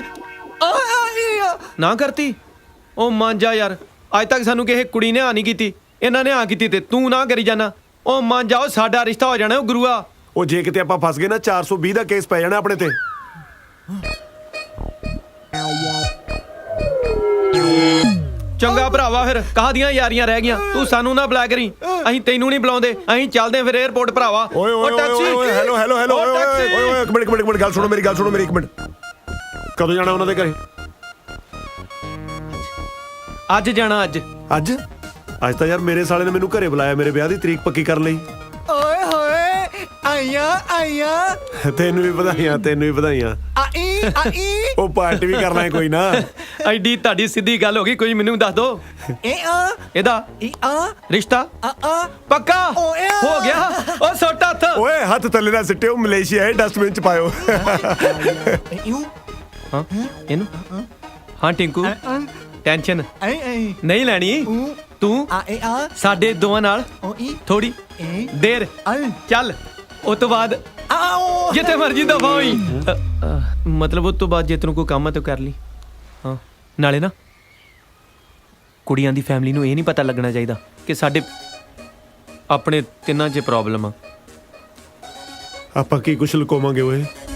[SPEAKER 13] ਨਾ ਕਰਤੀ ਉਹ ਮੰਨ ਜਾ ਯਾਰ, ਅੱਜ ਤੱਕ ਸਾਨੂੰ ਕਿਸੇ ਕੁੜੀ ਨੇ ਆ ਨਹੀਂ ਕੀਤੀ, ਇਹਨਾਂ ਨੇ ਆ ਕੀਤੀ ਤੇ ਤੂੰ ਨਾ ਕਰੀ ਜਾਣਾ। ਉਹ ਮੰਨ ਜਾਓ, ਸਾਡਾ ਰਿਸ਼ਤਾ ਹੋ ਜਾਣਾ। ਉਹ ਗੁਰੂਆ,
[SPEAKER 8] ਉਹ ਜੇ ਕਿਤੇ ਆਪਾਂ ਫਸ ਗਏ ਨਾ, ਚਾਰ ਸੌ ਵੀਹ ਦਾ ਕੇਸ ਪੈ ਜਾਣਾ ਆਪਣੇ ਤੇ।
[SPEAKER 13] ਚੰਗਾ ਭਰਾਵਾ, ਫਿਰ ਕਾਹਦੀਆਂ ਯਾਰੀਆਂ ਰਹਿ ਗਈਆਂ। ਤੂੰ ਸਾਨੂੰ ਨਾ ਬੁਲਾ ਕਰੀ, ਅਸੀਂ ਤੈਨੂੰ ਨਹੀਂ ਬੁਲਾਉਂਦੇ। ਅਸੀਂ ਚੱਲਦੇ ਫਿਰ 에어ਪੋਰਟ ਭਰਾਵਾ।
[SPEAKER 8] ਓਏ ਓਏ ਓਏ ਓਏ ਹੈਲੋ ਹੈਲੋ ਹੈਲੋ ਓਏ ਓਏ ਓਏ ਇੱਕ ਮਿੰਟ ਇੱਕ ਮਿੰਟ ਇੱਕ ਮਿੰਟ ਗੱਲ ਸੁਣੋ, ਮੇਰੀ ਗੱਲ ਸੁਣੋ ਮੇਰੀ ਇੱਕ ਮਿੰਟ। ਕਦੋਂ ਜਾਣਾ ਉਹਨਾਂ ਦੇ ਘਰੇ?
[SPEAKER 13] ਅੱਜ ਜਾਣਾ। ਅੱਜ
[SPEAKER 8] ਅੱਜ ਅੱਜ ਤਾਂ ਯਾਰ ਮੇਰੇ ਸਾਲੇ ਨੇ ਮੈਨੂੰ ਘਰੇ ਬੁਲਾਇਆ ਮੇਰੇ ਵਿਆਹ ਦੀ ਤਰੀਕ ਪੱਕੀ ਕਰਨ ਲਈ।
[SPEAKER 2] ਓਏ ਹੋਏ ਆਈਆਂ ਆਈਆਂ।
[SPEAKER 8] ਤੈਨੂੰ ਵੀ ਵਧਾਈਆਂ, ਤੈਨੂੰ ਵੀ ਵਧਾਈਆਂ।
[SPEAKER 2] ਆਈ ਆਈ
[SPEAKER 8] ਉਹ ਪਾਰਟੀ ਵੀ ਕਰਨਾ ਹੈ ਕੋਈ ਨਾ।
[SPEAKER 13] ਐਡੀ ਤੁਹਾਡੀ ਸਿੱਧੀ ਗੱਲ ਹੋ ਗਈ, ਕੋਈ ਮੈਨੂੰ ਦੱਸ ਦੋ।
[SPEAKER 2] ਇਹ ਆ
[SPEAKER 13] ਇਹਦਾ
[SPEAKER 2] ਇਹ ਆ
[SPEAKER 13] ਰਿਸ਼ਤਾ
[SPEAKER 2] ਆ ਆ
[SPEAKER 13] ਪੱਕਾ
[SPEAKER 2] ਓਏ
[SPEAKER 13] ਹੋ ਗਿਆ। ਉਹ ਸੁੱਟ ਹੱਥ।
[SPEAKER 8] ਓਏ ਹੱਥ ਥੱਲੇ ਨਾ ਸਿੱਟਿਓ, ਮਲੇਸ਼ੀਆ ਹੈ, ਡਸਟਬਿਨ ਚ ਪਾਇਓ।
[SPEAKER 13] ਹਾਂ ਇਹਨੂੰ ਹਾਂ ਟਿੰਕੂ, ਟੈਨਸ਼ਨ
[SPEAKER 2] ਆਈ ਆਈ
[SPEAKER 13] ਨਹੀਂ ਲੈਣੀ ਤੂੰ।
[SPEAKER 2] ਆ ਇਹ ਆ
[SPEAKER 13] ਸਾਡੇ ਦੋਵਾਂ ਨਾਲ
[SPEAKER 2] ਓਏ
[SPEAKER 13] ਥੋੜੀ ਦੇਰ ਚੱਲ, ਉਸ ਤੋਂ ਬਾਅਦ
[SPEAKER 2] ਆਓ
[SPEAKER 13] ਜਿੱਥੇ ਮਰਜੀ ਦਫਾ ਹੋਈ। ਅ, ਅ, ਮਤਲਬ ਉਸ ਤੋਂ ਬਾਅਦ ਜੇ ਤੈਨੂੰ ਕੋਈ ਕੰਮ ਹੈ ਤਾਂ ਕਰ ਲਈ। ਹਾਂ ਨਾਲੇ ਨਾ ਕੁੜੀਆਂ ਦੀ ਫੈਮਿਲੀ ਨੂੰ ਇਹ ਨਹੀਂ ਪਤਾ ਲੱਗਣਾ ਚਾਹੀਦਾ ਕਿ ਸਾਡੇ ਆਪਣੇ ਤਿੰਨਾਂ 'ਚ ਪ੍ਰੋਬਲਮ ਆ।
[SPEAKER 8] ਆਪਾਂ ਕੀ ਕੁਛ ਲੁਕਾਵਾਂਗੇ ਓਏ?